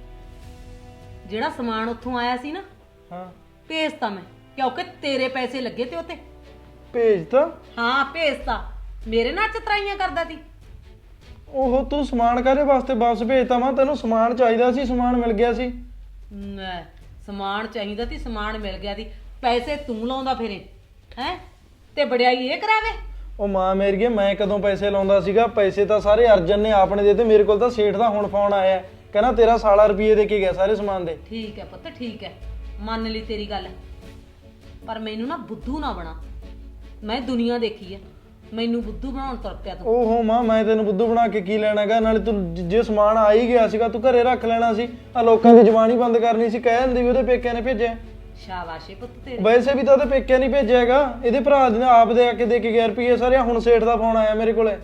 ਜਿਹੜਾ ਸਮਾਨ ਉੱਥੋਂ ਆਇਆ ਸੀ ਨਾ,
ਹਾਂ
ਭੇਜਤਾ ਮੈਂ, ਕਿਉਂਕਿ ਤੇਰੇ ਪੈਸੇ ਲੱਗੇ ਤੇ ਉੱਤੇ।
ਭੇਜਤਾ?
ਹਾਂ ਭੇਜਤਾ। ਮੇਰੇ ਨਾਲ ਚਤਰਾਈਆਂ ਕਰਦਾ ਸੀ।
ਉਹ ਤੂੰ ਸਮਾਨ ਕਾਹਦੇ ਵਾਸਤੇ ਵਾਪਸ ਭੇਜਤਾ? ਮਾਂ ਤੈਨੂੰ ਸਮਾਨ ਚਾਹੀਦਾ ਸੀ, ਸਮਾਨ ਮਿਲ ਗਿਆ ਸੀ।
ਲੈ, ਸਮਾਨ ਚਾਹੀਦਾ ਸੀ, ਸਮਾਨ ਮਿਲ ਗਿਆ ਸੀ। ਪੈਸੇ ਤੂੰ ਲਾਉਂਦਾ ਫਿਰੇ ਹੈ ਤੇ ਵਡਿਆਈ ਇਹ ਕਰਾਵੇ।
ਉਹ ਮਾਂ ਮੇਰੀਏ, ਮੈਂ ਕਦੋਂ ਪੈਸੇ ਲਾਉਂਦਾ ਸੀਗਾ? ਪੈਸੇ ਤਾਂ ਸਾਰੇ ਅਰਜਨ ਨੇ ਆਪਣੇ ਦੇ ਤੇ। ਮੇਰੇ ਕੋਲ ਤਾਂ ਸੇਠ ਦਾ ਹੁਣ ਫੋਨ ਆਇਆ, ਕਹਿੰਦਾ ਤੇਰਾ ਸਾਲਾ ਰੁਪਏ ਦੇ ਕੇ ਗਿਆ ਸਾਰੇ ਸਮਾਨ ਦੇ।
ਠੀਕ ਹੈ ਪੁੱਤ, ਠੀਕ ਹੈ, ਮੰਨ ਲਈ ਤੇਰੀ ਗੱਲ, ਪਰ ਮੈਨੂੰ ਨਾ ਬੁੱਧੂ ਨਾ ਬਣਾ। ਮੈਂ ਦੁਨੀਆ ਦੇਖੀ ਹੈ, ਮੈਨੂੰ ਬੁੱਧੂ ਬਣਾਉਣ ਤੁਰ ਪਿਆ ਤੂੰ।
ਓਹੋ ਮਾਂ, ਮੈਂ ਤੈਨੂੰ ਬੁੱਧੂ ਬਣਾ ਕੇ ਕੀ ਲੈਣਾਗਾ? ਨਾਲੇ ਤੂੰ ਜੇ ਸਮਾਨ ਆ ਹੀ ਗਿਆ ਸੀਗਾ ਤੂੰ ਘਰੇ ਰੱਖ ਲੈਣਾ ਸੀ। ਆ ਲੋਕਾਂ ਦੀ ਜ਼ੁਬਾਨ ਹੀ ਬੰਦ ਕਰਨੀ ਸੀ, ਕਹਿ ਦਿੰਦੀ ਵੀ ਉਹਦੇ ਪੇਕਿਆਂ ਨੇ ਭੇਜਿਆ।
ਸ਼ਾਬਾਸ਼ ਏ ਪੁੱਤ ਤੇਰੇ।
ਵੈਸੇ ਵੀ ਤਾਂ ਉਹਦੇ ਪੇਕਿਆਂ ਨਹੀਂ ਭੇਜਿਆ ਹੈਗਾ, ਇਹਦੇ ਭਰਾ ਦੇ ਆਪ ਦੇ ਆ ਕੇ ਦੇ ਕੇ ਗਿਆ ਰੁਪਏ ਸਾਰੇ। ਹੁਣ ਸੇਠ ਦਾ ਫੋਨ ਆਇਆ ਮੇਰੇ ਕੋਲੇ।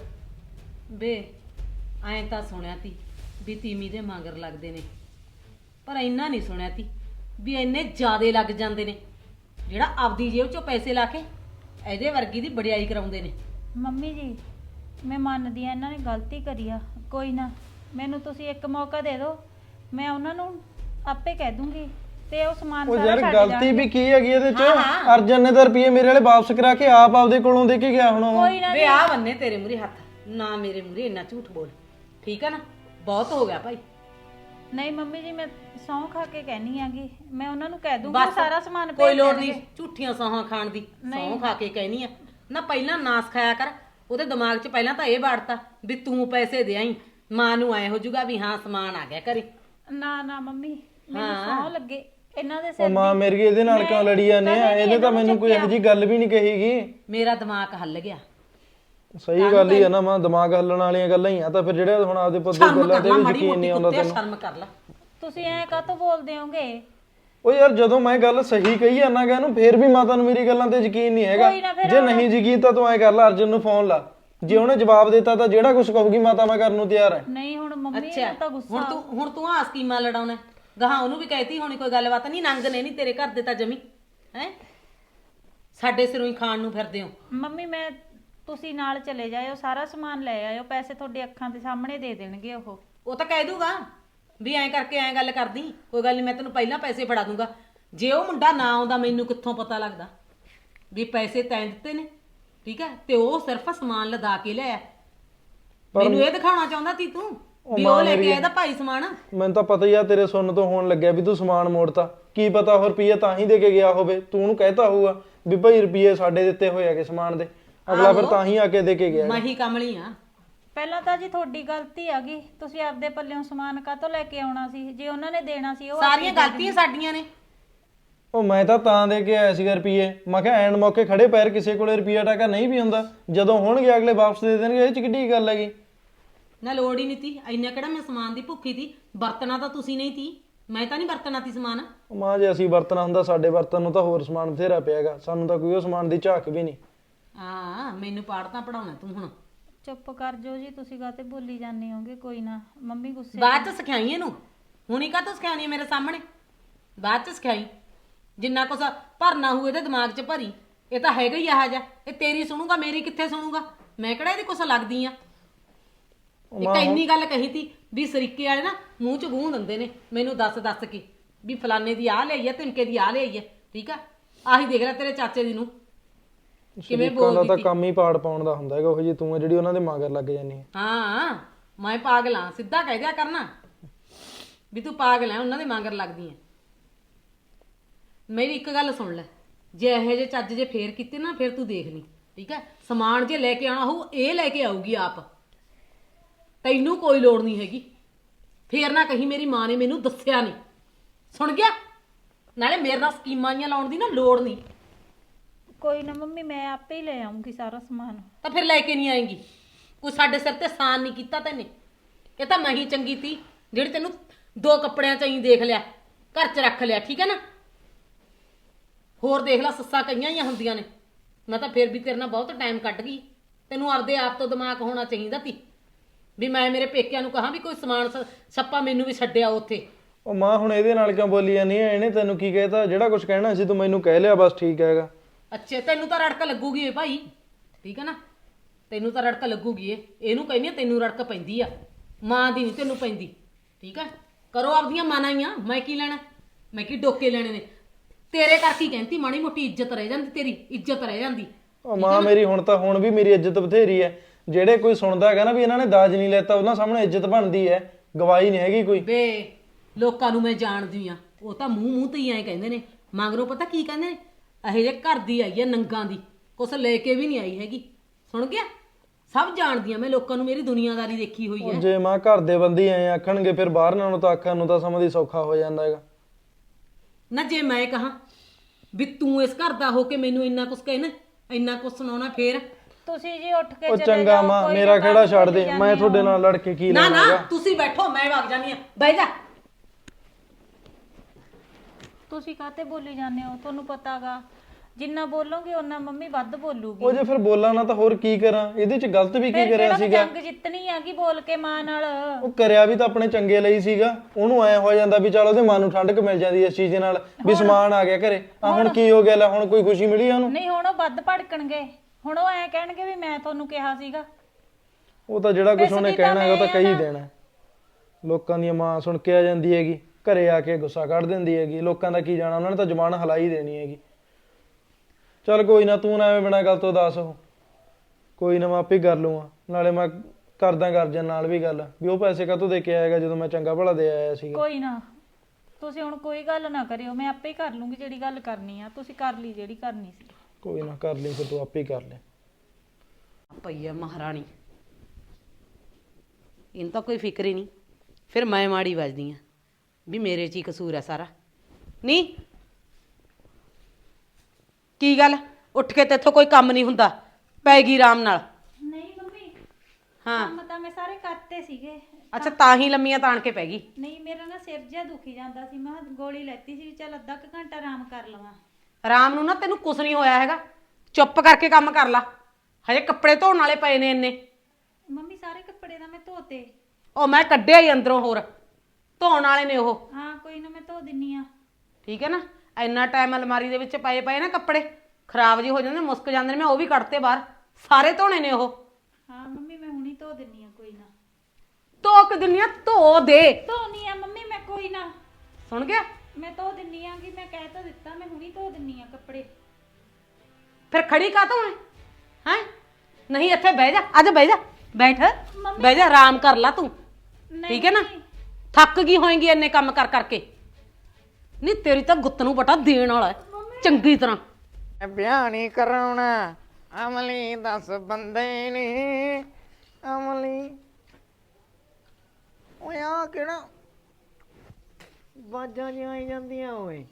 ਬੇ ਐਂ ਤਾਂ ਸੁਣਿਆ ਤੀ ਵੀ ਤੀਮੀ ਦੇ ਮਗਰ ਲੱਗਦੇ ਨੇ, ਪਰ ਇੰਨਾ ਨਹੀਂ ਸੁਣਿਆ ਤੀ ਵੀ ਇੰਨੇ ਜ਼ਿਆਦੇ ਲੱਗ ਜਾਂਦੇ ਨੇ, ਜਿਹੜਾ ਆਪਦੀ ਜੇਬ ਚੋਂ ਪੈਸੇ ਲਾ ਕੇ ਇਹਦੇ ਵਰਗੀ ਦੀ ਵਡਿਆਈ ਕਰਾਉਂਦੇ ਨੇ।
ਮੰਮੀ ਜੀ ਮੈਂ ਮੰਨਦੀ ਆ ਇਹਨਾਂ ਨੇ ਗਲਤੀ ਕਰੀ ਆ, ਕੋਈ ਨਾ ਮੈਨੂੰ ਤੁਸੀਂ ਇੱਕ ਮੌਕਾ ਦੇ ਦਿਓ, ਮੈਂ ਉਹਨਾਂ ਨੂੰ ਆਪੇ ਕਹਿ ਦੂੰਗੀ ਤੇ ਉਹ ਸਮਾਨ
ਉਹ
ਸਾਰਾ
ਯਾਰ
ਛੱਡ
ਗਲਤੀ
ਜਾਣਗੇ।
ਵੀ ਕੀ ਹੈਗੀ ਇਹਦੇ ਚ?
ਹਾਂ, ਹਾਂ।
ਅਰਜਨ ਨੇ ਤਾਂ ਰੁਪਏ ਮੇਰੇ ਵਾਲੇ ਵਾਪਸ ਕਰਾ ਕੇ ਆਪ ਆਪਦੇ ਕੋਲੋਂ ਦੇ ਕੇ ਗਿਆ। ਹੁਣ ਉਹ
ਕੋਈ ਨਾ
ਵੇ ਆ ਬੰਨੇ ਤੇਰੇ ਮੂਰੇ ਹੱਥ ਨਾ, ਮੇਰੇ ਮੂਰੇ ਇੰਨਾ ਝੂਠ ਬੋਲ, ਠੀਕ ਹੈ ਨਾ? ਬਹੁਤ ਹੋ ਗਿਆ ਭਾਈ।
ਨਹੀਂ ਮੰਮੀ ਜੀ ਮੈਂ ਸਹੁੰ ਖਾ ਕੇ ਕਹਿਨੀ ਆਂਗੀ, ਮੈਂ ਉਹਨਾਂ ਨੂੰ ਕਹਿ ਦੂੰਗੀ
ਬਸ
ਸਾਰਾ ਸਮਾਨ ਭੇਜ
ਕੋਈ ਲੋੜ
ਦੇਣਗੇ।
ਨਹੀਂ ਝੂਠੀਆਂ ਸੌਹਾਂ ਖਾਣ ਦੀ। ਸੌਂ ਖਾ ਕੇ ਕਹਿਨੀ ਆ ਨਾ, ਪਹਿਲਾਂ ਨਾਸ ਖਾਇਆ ਕਰ। ਉਹਦੇ ਦਿਮਾਗ 'ਚ ਪਹਿਲਾਂ ਤਾਂ ਇਹ ਬਾੜਤਾ ਵੀ ਤੂੰ ਪੈਸੇ ਦੇ ਆਈ, ਮਾਂ ਨੂੰ ਐ ਹੋ ਜਾਊਗਾ ਵੀ ਹਾਂ ਸਮਾਨ ਆ ਗਿਆ ਘਰੇ।
ਨਾ ਨਾ ਮੰਮੀ ਮੈਨੂੰ
ਹਾਂ।
ਸਹੁੰ ਲੱਗੇ ਇਹਨਾਂ ਦੇ
ਉਹ
ਸਿਰ
ਮਾਂ ਮੇਰੀ ਇਹਦੇ ਨਾਲ ਕਿਉਂ ਲੜੀ ਜਾਂਦੇ ਆ? ਇਹਨੇ ਤਾਂ ਮੈਨੂੰ ਕੋਈ ਇਹੋ ਜਿਹੀ ਗੱਲ ਵੀ ਨਹੀਂ ਕਹੀਗੀ।
ਮੇਰਾ ਦਿਮਾਗ ਹੱਲ ਗਿਆ।
ਸਹੀ ਗੱਲ ਹੀ ਆ ਨਾ ਮਾਂ, ਦਿਮਾਗ ਹੱਲਣ ਵਾਲੀਆਂ ਗੱਲਾਂ ਹੀ ਆ। ਤਾਂ ਫਿਰ ਜਿਹੜੇ ਹੁਣ ਆਪਦੇ ਪੁੱਤ ਦੀ
ਸ਼ਰਮ
ਗੱਲਾਂ
ਕਰ
ਤੇ
ਲਾ,
ਵੀ
ਮਾੜੀ
ਯਕੀਨ
ਮੋਟੀ
ਨਹੀਂ ਆਉਂਦਾ
ਕੁੱਤੇ
ਤੈਨੂੰ।
ਸ਼ਰਮ ਕਰ ਲਾ।
ਤੁਸੀਂ ਐਂ ਕਾਹਤੋਂ ਬੋਲਦੇ ਹੋਗੇ?
ਉਹ ਯਾਰ ਜਦੋਂ ਮੈਂ ਗੱਲ ਸਹੀ ਕਹੀ ਜਾਂਦਾ ਗਾ ਇਹਨੂੰ, ਫੇਰ ਵੀ ਮਾਤਾ ਨੂੰ ਮੇਰੀ ਗੱਲਾਂ ਤੇ ਯਕੀਨ ਨਹੀਂ ਹੈਗਾ।
ਕੋਈ ਨਾ ਫਿਰ
ਜੇ ਨਹੀਂ ਯਕੀਨ ਤਾਂ ਤੂੰ ਐ ਕਰ ਲੈ, ਅਰਜਨ ਨੂੰ ਫੋਨ ਲਾ। ਜੇ ਉਹਨੇ ਜਵਾਬ ਦਿੱਤਾ ਤਾਂ ਜਿਹੜਾ ਕੁਝ ਕਹੂਗੀ ਮਾਤਾ ਮੈਂ ਕਰਨ ਨੂੰ ਤਿਆਰ ਹੈ।
ਨਹੀਂ ਹੁਣ ਮੰਮੀ
ਅੱਛਾ
ਨੂੰ ਤਾਂ ਗੁੱਸਾ
ਹੁਣ ਤੂੰ ਆ ਸਕੀਮਾਂ ਲੜਾਉਣਾ ਗਾਹਾਂ, ਉਹਨੂੰ ਵੀ ਕਹਿਤੀ ਹੋਣੀ ਕੋਈ ਗੱਲਬਾਤ ਨਹੀਂ। ਨੰਗ ਨੇ ਨਹੀਂ ਤੇਰੇ ਘਰ ਦੇ ਤਾਂ ਜਮੀ ਹੈ, ਸਾਡੇ ਸਿਰੋਂ ਹੀ ਖਾਣ ਨੂੰ ਫਿਰਦੇ ਹੋ।
ਮੰਮੀ ਮੈਂ ਤੁਸੀਂ ਨਾਲ ਚਲੇ ਜਾਇਓ, ਸਾਰਾ ਸਮਾਨ ਲੈ ਆਇਓ, ਪੈਸੇ ਤੁਹਾਡੇ ਅੱਖਾਂ ਦੇ ਸਾਹਮਣੇ ਦੇ ਦੇਣਗੇ ਉਹ
ਤਾਂ ਕਹਿ ਦੂਗਾ ਵੀ ਐਂ ਕਰਕੇ ਐਂ ਗੱਲ ਕਰਦੀ, ਕੋਈ ਗੱਲ ਨਹੀਂ, ਮੈਂ ਤੈਨੂੰ ਪਹਿਲਾਂ ਪੈਸੇ ਫੜਾ ਦੂੰਗਾ। ਜੇ ਉਹ ਮੁੰਡਾ ਨਾ ਆਉਂਦਾ ਮੈਨੂੰ ਕਿੱਥੋਂ ਪਤਾ ਲੱਗਦਾ ਵੀ ਪੈਸੇ ਤੈਂ ਦਿੱਤੇ ਨੇ, ਠੀਕ ਹੈ? ਤੇ ਉਹ ਸਿਰਫ ਸਮਾਨ ਲਦਾ ਕੇ ਲਿਆ। ਮੈਨੂੰ ਇਹ ਦਿਖਾਉਣਾ ਚਾਹੁੰਦਾ ਸੀ ਤੂੰ ਵੀ ਉਹ ਲੈ ਕੇ ਆਇਆ ਇਹਦਾ ਭਾਈ ਸਮਾਨ।
ਮੈਨੂੰ ਤਾਂ ਪਤਾ ਹੀ ਆ ਤੇਰੇ ਸੁਣਨ ਤੋਂ ਹੋਣ ਲੱਗਿਆ ਵੀ ਤੂੰ ਸਮਾਨ ਮੋੜਤਾ। ਕੀ ਪਤਾ ਹੋਰ ਰੁਪਈਆ ਤਾਂ ਹੀ ਦੇ ਕੇ ਗਿਆ ਹੋਵੇ, ਤੂੰ ਉਹਨੂੰ ਕਹਿਤਾ ਹੋਊਗਾ ਵੀ ਭਾਈ ਰੁਪਈਏ ਸਾਡੇ ਦਿੱਤੇ ਹੋਏ ਹੈਗੇ ਸਮਾਨ ਦੇ, ਅਗਲਾ ਫਿਰ ਤਾਂ ਹੀ ਆ ਕੇ ਦੇ ਕੇ ਗਿਆ।
ਮੈਂ ਹੀ ਕਮਲੀ ਆ।
ਪਹਿਲਾਂ ਤਾਂ ਜੀ ਤੁਹਾਡੀ ਗਲਤੀ ਆ ਗਈ, ਤੁਸੀਂ ਆਪਦੇ ਪੱਲਿਓਂ ਸਮਾਨ ਕਾਹਤੋਂ ਲੈ ਕੇ ਆਉਣਾ ਸੀ? ਜੇ ਉਹਨਾਂ ਨੇ ਦੇਣਾ ਸੀ ਉਹ
ਸਾਰੀਆਂ ਗਲਤੀਆਂ ਸਾਡੀਆਂ ਨੇ।
ਉਹ ਮੈਂ ਤਾਂ ਦੇ ਕੇ ਆਇਆ ਸੀਗਾ ਰੁਪਈਏ। ਮੈਂ ਕਿਹਾ ਐਨ ਮੌਕੇ ਖੜੇ ਪੈਰ ਕਿਸੇ ਕੋਲੇ ਰੁਪਈਆ ਟਾਕਾ ਨਹੀਂ ਵੀ ਹੁੰਦਾ, ਜਦੋਂ ਹੋਣਗੇ ਅਗਲੇ ਵਾਪਸ ਦੇ ਦੇਣਗੇ। ਇਹ ਚ ਕਿੱਡੀ ਗੱਲ ਹੈਗੀ?
ਨਾ ਲੋੜ ਹੀ ਨਹੀਂ ਤੀ ਇੰਨਾ, ਕਿਹੜਾ ਮੈਂ ਸਮਾਨ ਦੀ ਭੁੱਖੀ ਤੀ? ਵਰਤਣਾ ਤਾਂ ਤੁਸੀਂ ਨਹੀਂ ਤੀ, ਮੈਂ ਤਾਂ ਨਹੀਂ ਵਰਤਣਾ ਤੀ ਸਮਾਨ।
ਉਹ ਮਾਂ ਜੇ ਅਸੀਂ ਵਰਤਣਾ ਹੁੰਦਾ, ਸਾਡੇ ਵਰਤਨ ਨੂੰ ਤਾਂ ਹੋਰ ਸਮਾਨ ਬਥੇਰਾ ਪਿਆਗਾ, ਸਾਨੂੰ ਤਾਂ ਕੋਈ ਉਹ ਸਮਾਨ ਦੀ ਝਾਕ ਵੀ ਨਹੀਂ।
ਹਾਂ ਮੈਨੂੰ ਤਾਂ ਪੜਾਉਣਾ ਤੂੰ। ਹੁਣ
ਚੁੱਪ ਕਰ ਜਾਓ ਜੀ, ਤੁਸੀਂ ਕਾਹਤੇ ਬੋਲੀ ਜਾਂਦੇ ਹੋਗੇ? ਕੋਈ ਨਾ ਮੰਮੀ ਗੁੱਸੇ
ਬਾਅਦ ਚ ਸਿਖਾਈ ਇਹਨੂੰ, ਹੁਣੀ ਕਾਹਤੋਂ ਸਿਖਾਉਣੀ ਮੇਰੇ ਸਾਹਮਣੇ? ਬਾਅਦ ਚ ਸਿਖਾਈ, ਜਿੰਨਾ ਕੁਛ ਭਰਨਾ ਹੋਊ ਇਹਦੇ ਦਿਮਾਗ 'ਚ ਭਰੀ। ਇਹ ਤਾਂ ਹੈਗਾ ਹੀ ਇਹੋ ਜਿਹਾ, ਇਹ ਤੇਰੀ ਸੁਣੂਗਾ, ਮੇਰੀ ਕਿੱਥੇ ਸੁਣੂਗਾ? ਮੈਂ ਕਿਹੜਾ ਇਹਦੀ ਕੁਛ ਲੱਗਦੀ ਆ? ਇੱਕ ਇੰਨੀ ਗੱਲ ਕਹੀ ਤੀ ਵੀ ਸਰੀਕੇ ਵਾਲੇ ਨਾ ਮੂੰਹ 'ਚ ਗੂੰ ਦਿੰਦੇ ਨੇ ਮੈਨੂੰ ਦੱਸ ਕੇ ਵੀ ਫਲਾਨੇ ਦੀ ਆਹ ਲਈ ਆ, ਤਿਮਕੇ ਦੀ ਆਹ ਲਈ ਆ, ਠੀਕ ਆ? ਆਹੀ ਦੇਖ ਲੈ ਤੇਰੇ ਚਾਚੇ ਦੀ ਨੂੰ ਕਿਵੇਂ
ਸ਼ਰੀਕਾਂ ਦਾ ਤਾਂ
ਬੋਲਦੀ ਤੀ।
ਕੰਮ ਹੀ ਪਾੜ ਪਾਉਣ ਦਾ ਹੁੰਦਾ ਹੈਗਾ। ਉਹ ਜੀ ਤੂੰ ਆ ਜਿਹੜੀ ਉਹਨਾਂ ਦੇ ਮਗਰ ਲੱਗ ਜਾਂਦੀ ਹੈ।
ਹਾਂ ਮੈਂ ਪਾਗਲ ਆ, ਸਿੱਧਾ ਕਹਿ ਦਿਆ ਕਰਨਾ ਵੀ ਤੂੰ ਪਾਗਲ ਆ, ਉਹਨਾਂ ਦੇ ਮਗਰ ਲੱਗਦੀ ਆ। ਮੇਰੀ ਇੱਕ ਗੱਲ ਸੁਣ ਲੈ, ਜੇ ਇਹੋ ਜਿਹੇ ਚੱਜ ਜੇ ਫੇਰ ਕੀਤੇ ਨਾ, ਫਿਰ ਤੂੰ ਦੇਖ ਲਈ, ਠੀਕ ਹੈ? ਸਮਾਨ ਜੇ ਲੈ ਕੇ ਆਉਣਾ ਹੋਊ ਇਹ ਲੈ ਕੇ ਆਊਗੀ ਆਪ, ਤੈਨੂੰ ਕੋਈ ਲੋੜ ਨਹੀਂ ਹੈਗੀ। ਫੇਰ ਨਾ ਕਹੀਂ ਮੇਰੀ ਮਾਂ ਨੇ ਮੈਨੂੰ ਦੱਸਿਆ ਨਹੀਂ, ਸੁਣ ਗਿਆ? ਨਾਲੇ ਮੇਰੇ ਨਾਲ ਸਕੀਮਾਂ ਲਾਉਣ ਦੀ ਨਾ ਲੋੜ ਨਹੀਂ।
ਕੋਈ ਨਾ ਮੰਮੀ ਮੈਂ ਆਪੇ ਹੀ ਲੈ ਆਉਂਗੀ ਸਾਰਾ ਸਮਾਨ।
ਤਾਂ ਫਿਰ ਲੈ ਕੇ ਨਹੀਂ ਆਏਗੀ? ਕੋਈ ਸਾਡੇ ਸਿਰ ਤੇ ਸਾਨ ਨਹੀਂ ਕੀਤਾ ਤੈਨੇ। ਇਹ ਤਾਂ ਮੈਂ ਹੀ ਚੰਗੀ ਤੀ ਜਿਹੜੀ ਤੈਨੂੰ 2 ਕੱਪੜਿਆਂ 'ਚ ਹੀ ਦੇਖ ਲਿਆ, ਘਰ 'ਚ ਰੱਖ ਲਿਆ, ਠੀਕ ਹੈ ਨਾ? ਹੋਰ ਦੇਖ ਲੈ ਸੱਸਾਂ ਕਈਆਂ ਹੀ ਹੁੰਦੀਆਂ ਨੇ। ਮੈਂ ਤਾਂ ਫਿਰ ਵੀ ਤੇਰੇ ਨਾਲ ਬਹੁਤ ਟਾਈਮ ਕੱਢ ਗਈ। ਤੈਨੂੰ ਆਪਦੇ ਆਪ ਤੋਂ ਦਿਮਾਗ ਹੋਣਾ ਚਾਹੀਦਾ ਤੀ ਵੀ ਮੈਂ ਮੇਰੇ ਪੇਕਿਆਂ ਨੂੰ ਕਹਾਂ ਵੀ ਕੋਈ ਸਮਾਨ ਛੱਪਾ ਮੈਨੂੰ ਵੀ ਛੱਡਿਆ ਉੱਥੇ।
ਉਹ ਮਾਂ ਹੁਣ ਇਹਦੇ ਨਾਲ ਕਿਉਂ ਬੋਲੀ ਜਾਂਦੀ ਹੈ? ਇਹਨੇ ਤੈਨੂੰ ਕੀ ਕਹਿਤਾ? ਜਿਹੜਾ ਕੁਝ ਕਹਿਣਾ ਸੀ ਤੂੰ ਮੈਨੂੰ ਕਹਿ ਲਿਆ, ਬਸ ਠੀਕ ਹੈਗਾ।
ਅੱਛਾ ਤੈਨੂੰ ਤਾਂ ਰੜਕ ਲੱਗੂਗੀ ਏ ਭਾਈ, ਠੀਕ ਹੈ ਨਾ, ਤੈਨੂੰ ਤਾਂ ਰੜਕ ਲੱਗੂਗੀ ਏ। ਇਹਨੂੰ ਕਹਿੰਦੀ ਆ ਤੈਨੂੰ ਰੜਕ ਪੈਂਦੀ ਆ, ਮਾਂ ਦੀ ਨਹੀਂ ਤੈਨੂੰ ਪੈਂਦੀ, ਠੀਕ ਹੈ। ਕਰੋ ਆਪਦੀਆਂ ਮਾਨਾਈਆਂ, ਮੈਂ ਕੀ ਲੈਣਾ, ਮੈਂ ਕੀ ਡੋਕੇ ਲੈਣੇ ਨੇ। ਤੇਰੇ ਕਰਕੇ ਕਹਿੰਦੀ ਮਾੜੀ ਮੋਟੀ ਇੱਜ਼ਤ ਰਹਿ ਜਾਂਦੀ, ਤੇਰੀ ਇੱਜ਼ਤ ਰਹਿ ਜਾਂਦੀ।
ਉਹ ਮਾਂ ਮੇਰੀ ਹੁਣ ਵੀ ਮੇਰੀ ਇੱਜ਼ਤ ਬਥੇਰੀ ਹੈ। ਜਿਹੜੇ ਕੋਈ ਸੁਣਦਾ ਹੈਗਾ ਨਾ ਵੀ ਇਹਨਾਂ ਨੇ ਦਾਜ ਨਹੀਂ ਲੈਤਾ, ਉਹਨਾਂ ਸਾਹਮਣੇ ਇੱਜ਼ਤ ਬਣਦੀ ਹੈ, ਗਵਾਹੀ ਨਹੀਂ ਹੈਗੀ ਕੋਈ।
ਵੇ ਲੋਕਾਂ ਨੂੰ ਮੈਂ ਜਾਣਦੀ ਆ, ਉਹ ਤਾਂ ਮੂੰਹ ਤੇ ਹੀ ਐਂ ਕਹਿੰਦੇ ਨੇ, ਮਗਰੋਂ ਪਤਾ ਕੀ ਕਹਿੰਦੇ ਨੇ, ਇਹੋ ਜਿਹੇ ਘਰ ਦੀ ਆਈ ਹੈ ਨੰਗਾਂ ਦੀ, ਕੁਛ ਲੈ ਕੇ ਵੀ ਨਹੀਂ ਆਈ ਹੈਗੀ। ਸੁਣ ਗਿਆ, ਸਭ ਜਾਣਦੀ ਆ ਮੈਂ, ਲੋਕਾਂ ਨੂੰ ਮੇਰੀ ਦੁਨੀਆਦਾਰੀ ਦੇਖੀ ਹੋਈ ਹੈ।
ਜੇ ਮਾਂ ਘਰ ਦੇ ਬੰਦੇ ਐ ਆਖਣਗੇ, ਫਿਰ ਬਾਹਰ ਨਾਲੋਂ ਤਾਂ ਆਖਣ ਨੂੰ ਤਾਂ ਸਮਝੀ ਸੌਖਾ ਹੋ ਜਾਂਦਾ ਹੈਗਾ
ਨਾ। ਜੇ ਮੈਂ ਕਹਾਂ ਵੀ ਤੂੰ ਇਸ ਘਰ ਦਾ ਹੋ ਕੇ ਮੈਨੂੰ ਇੰਨਾ ਕੁਛ ਕਹਿਣਾ, ਇੰਨਾ ਕੁਛ ਸੁਣਾਉਣਾ, ਫੇਰ
ਤੁਸੀਂ ਜੀ ਉੱਠ ਕੇ
ਉਹ
ਚਲੇ
ਚੰਗਾ
ਜਾਓ,
ਮਾਂ,
ਕੋਈ
ਮੇਰਾ
ਨਾ
ਖੇੜਾ
ਬਾਹਰ
ਛੱਡ ਦੇ,
ਬੋਲੀ
ਮੈਂ
ਜਾਂਦੀ
ਤੁਹਾਡੇ ਨਾਲ ਲੜ ਕੇ ਕੀ
ਨਾ
ਲੈਣਾ
ਨਾ
ਹੈਗਾ।
ਤੁਸੀਂ ਬੈਠੋ, ਮੈਂ ਵਗ ਜਾਨੀ ਆ, ਬਹਿ ਜਾ।
ਤੁਸੀਂ ਕਾਹਤੇ ਬੋਲੀ ਜਾਂਦੇ ਹੋ? ਤੁਹਾਨੂੰ ਪਤਾਗਾ ਜਿੰਨਾ ਬੋਲੋਗੇ ਉਹਨਾਂ ਮੰਮੀ ਵੱਧ ਬੋਲੂਗੀ।
ਉਹ ਜੇ ਫਿਰ ਬੋਲਾਂ ਨਾ ਤਾਂ ਹੋਰ ਕੀ ਕਰਾਂ? ਇਹਦੇ ਚ ਗਲਤ ਵੀ ਕੀ ਕਰਿਆ ਸੀਗਾ?
ਜੰਗ ਜਿੱਤਣੀ ਆ ਕੀ ਬੋਲ ਕੇ ਮਾਂ ਨਾਲ?
ਉਹ ਕਰਿਆ ਵੀ ਤਾਂ ਆਪਣੇ ਚੰਗੇ ਲਈ ਸੀਗਾ। ਉਹਨੂੰ ਐ ਹੋ ਜਾਂਦਾ ਵੀ ਚਲ ਉਹਦੇ ਮਨ ਨੂੰ ਠੰਡਕ ਮਿਲ ਜਾਂਦੀ ਇਸ ਚੀਜ਼ ਦੇ ਨਾਲ ਵੀ ਸਮਾਨ ਆ ਗਿਆ ਘਰੇ। ਆ ਹੁਣ ਕੀ ਹੋ ਗਿਆ? ਲੈ ਹੁਣ ਕੋਈ ਖੁਸ਼ੀ ਮਿਲੀ ਆ ਉਹਨੂੰ?
ਨਹੀਂ, ਹੁਣ ਉਹ ਵੱਧ ਭੜਕਣਗੇ, ਹੁਣ ਉਹ ਐ ਕਹਿਣਗੇ ਵੀ ਮੈਂ ਤੁਹਾਨੂੰ ਕਿਹਾ ਸੀਗਾ।
ਉਹ ਤਾਂ ਜਿਹੜਾ ਕੁਝ ਉਹਨੇ ਕਹਿਣਾ ਹੈਗਾ ਉਹ ਤਾਂ ਕਹੀ ਦੇਣਾ। ਲੋਕਾਂ ਦੀ ਮਾਂ ਸੁਣ ਕੇ ਆ ਜਾਂਦੀ ਹੈਗੀ, ਘਰੇ ਆ ਕੇ ਗੁੱਸਾ ਕੱਢ ਦਿੰਦੀ ਹੈਗੀ। ਲੋਕਾਂ ਦਾ ਕੀ ਜਾਣਾ, ਉਹਨਾਂ ਨੇ ਤਾਂ ਜ਼ੁਬਾਨ ਹਲਾਈ ਦੇਣੀ ਹੈਗੀ। ਚੱਲ ਕੋਈ ਨਾ, ਤੂੰ ਨਾ ਐਵੇਂ ਬਿਨਾਂ ਗੱਲ ਤੋਂ ਦੱਸ। ਉਹ ਕੋਈ ਨਾ, ਮੈਂ ਆਪੇ ਕਰ ਲੂੰਗਾ। ਨਾਲੇ ਮੈਂ ਕਰਦਾ ਗਰਜਨ ਨਾਲ ਵੀ ਗੱਲ ਵੀ ਉਹ ਪੈਸੇ ਕਾਹਤੋਂ ਦੇ ਕੇ ਆਏਗਾ ਜਦੋਂ ਮੈਂ ਚੰਗਾ ਭਲਾ ਦੇ ਆਇਆ ਸੀਗਾ।
ਕੋਈ ਨਾ, ਤੁਸੀਂ ਹੁਣ ਕੋਈ ਗੱਲ ਨਾ ਕਰਿਓ, ਮੈਂ ਆਪੇ ਹੀ ਕਰ ਲੂੰਗੀ ਜਿਹੜੀ ਗੱਲ ਕਰਨੀ ਆ। ਤੁਸੀਂ ਕਰ ਲਈ ਜਿਹੜੀ ਕਰਨੀ ਸੀ।
ਕੋਈ ਨਾ, ਕਰ ਲਈ ਫਿਰ, ਤੂੰ ਆਪੇ ਹੀ ਕਰ ਲੈ।
ਪਈ ਆ ਮਹਾਰਾਣੀ, ਇਹਨੂੰ ਤਾਂ ਕੋਈ ਫਿਕਰ ਹੀ ਨਹੀਂ। ਫਿਰ ਮੈਂ ਮਾੜੀ ਵੱਜਦੀ ਆ ਵੀ ਮੇਰੇ 'ਚ ਹੀ ਕਸੂਰ ਹੈ ਸਾਰਾ। ਨਹੀਂ ਕੀ ਗੱਲ, ਉੱਠ ਕੇ ਤੇ ਇੱਥੋਂ ਕੋਈ ਕੰਮ ਨਹੀਂ ਹੁੰਦਾ, ਪੈ ਗਈ ਆਰਾਮ ਨਾਲ।
ਨਹੀਂ ਮੰਮੀ,
ਹਾਂ
ਕੰਮ ਤਾਂ ਮੈਂ ਸਾਰੇ ਕਰਤੇ ਸੀਗੇ।
ਅੱਛਾ, ਤਾਂ ਹੀ ਲੰਮੀਆਂ ਤਾਣ ਕੇ ਪੈ ਗਈ।
ਨਹੀਂ, ਮੇਰਾ ਨਾ ਸਿਰ ਜਿਹਾ ਦੁਖੀ ਜਾਂਦਾ ਸੀ, ਮੈਂ ਗੋਲੀ ਲੈਤੀ ਸੀ, ਚੱਲ ਅੱਧਾ ਕੁ ਘੰਟਾ ਆਰਾਮ ਕਰ ਲਵਾਂ।
ਆਰਾਮ ਨੂੰ ਨਾ ਤੈਨੂੰ ਕੁਛ ਨਹੀਂ ਹੋਇਆ ਹੈਗਾ, ਚੁੱਪ ਕਰਕੇ ਕੰਮ ਕਰ ਲਾ। ਹਜੇ ਕੱਪੜੇ ਧੋਣ ਵਾਲੇ ਪਏ ਨੇ ਇੰਨੇ।
ਮੰਮੀ ਸਾਰੇ ਕੱਪੜੇ ਤਾਂ ਮੈਂ ਧੋਤੇ।
ਉਹ ਮੈਂ ਕੱਢਿਆ ਹੀ ਅੰਦਰੋਂ, ਹੋਰ ਧੋਣ ਵਾਲੇ ਨੇ ਉਹ।
ਹਾਂ ਕੋਈ ਨਾ, ਮੈਂ ਧੋ ਦਿੰਨੀ ਆ।
ਠੀਕ ਹੈ ਨਾ, ਇੰਨਾ ਟਾਈਮ ਅਲਮਾਰੀ ਦੇ ਵਿੱਚ ਪਏ ਨਾ ਕੱਪੜੇ, ਖਰਾਬ ਜਿਹੇ ਹੋ ਜਾਂਦੇ, ਮੁਸਕ ਜਾਂਦੇ ਨੇ। ਮੈਂ ਉਹ ਵੀ ਕੱਢਤੇ ਬਾਹਰ, ਸਾਰੇ ਧੋਣੇ ਨੇ ਉਹ।
ਹਾਂ ਮੰਮੀ, ਮੈਂ ਹੁਣੀ ਧੋ ਦਿੰਨੀ ਆ, ਕੋਈ ਨਾ।
ਧੋ ਕੇ ਦਿੰਨੀ ਆ, ਧੋ ਦੇ।
ਧੋਨੀ ਆ ਮੰਮੀ ਮੈਂ, ਕੋਈ ਨਾ।
ਸੁਣ ਗਿਆ,
ਮੈਂ ਧੋ ਦਿੰਨੀ ਆ, ਕਿ ਮੈਂ ਕਹਿ ਤਾਂ ਦਿੱਤਾ, ਮੈਂ ਹੁਣੀ ਧੋ ਦਿੰਨੀ ਆ ਕੱਪੜੇ।
ਫਿਰ ਖੜੀ ਕਾਹਤੋਂ ਹੈ? ਨਹੀਂ ਇੱਥੇ ਬਹਿ ਜਾ, ਅੱਜ ਬਹਿ ਜਾ, ਬੈਠ, ਬਹਿ ਜਾ, ਆਰਾਮ ਕਰ ਲਾ ਤੂੰ, ਠੀਕ ਹੈ ਨਾ। ਥੱਕ ਗਈ ਹੋਏਗੀ ਇੰਨੇ ਕੰਮ ਕਰ ਕਰਕੇ। ਨਹੀਂ ਤੇਰੀ ਤਾਂ ਗੁੱਤ ਨੂੰ ਬਟਾ ਦੇਣ ਵਾਲਾ ਹੈ ਚੰਗੀ ਤਰ੍ਹਾਂ।
ਵਿਆਹ ਨਹੀਂ ਕਰਾਉਣਾ ਅਮਲੀ, 10 ਬੰਦੇ ਨੇ ਅਮਲੀ। ਓਏ ਆ ਕਿਹੜਾ ਬਾਜਾਂ ਜਿਹੀਆਂ ਆਈ ਜਾਂਦੀਆਂ ਓਏ?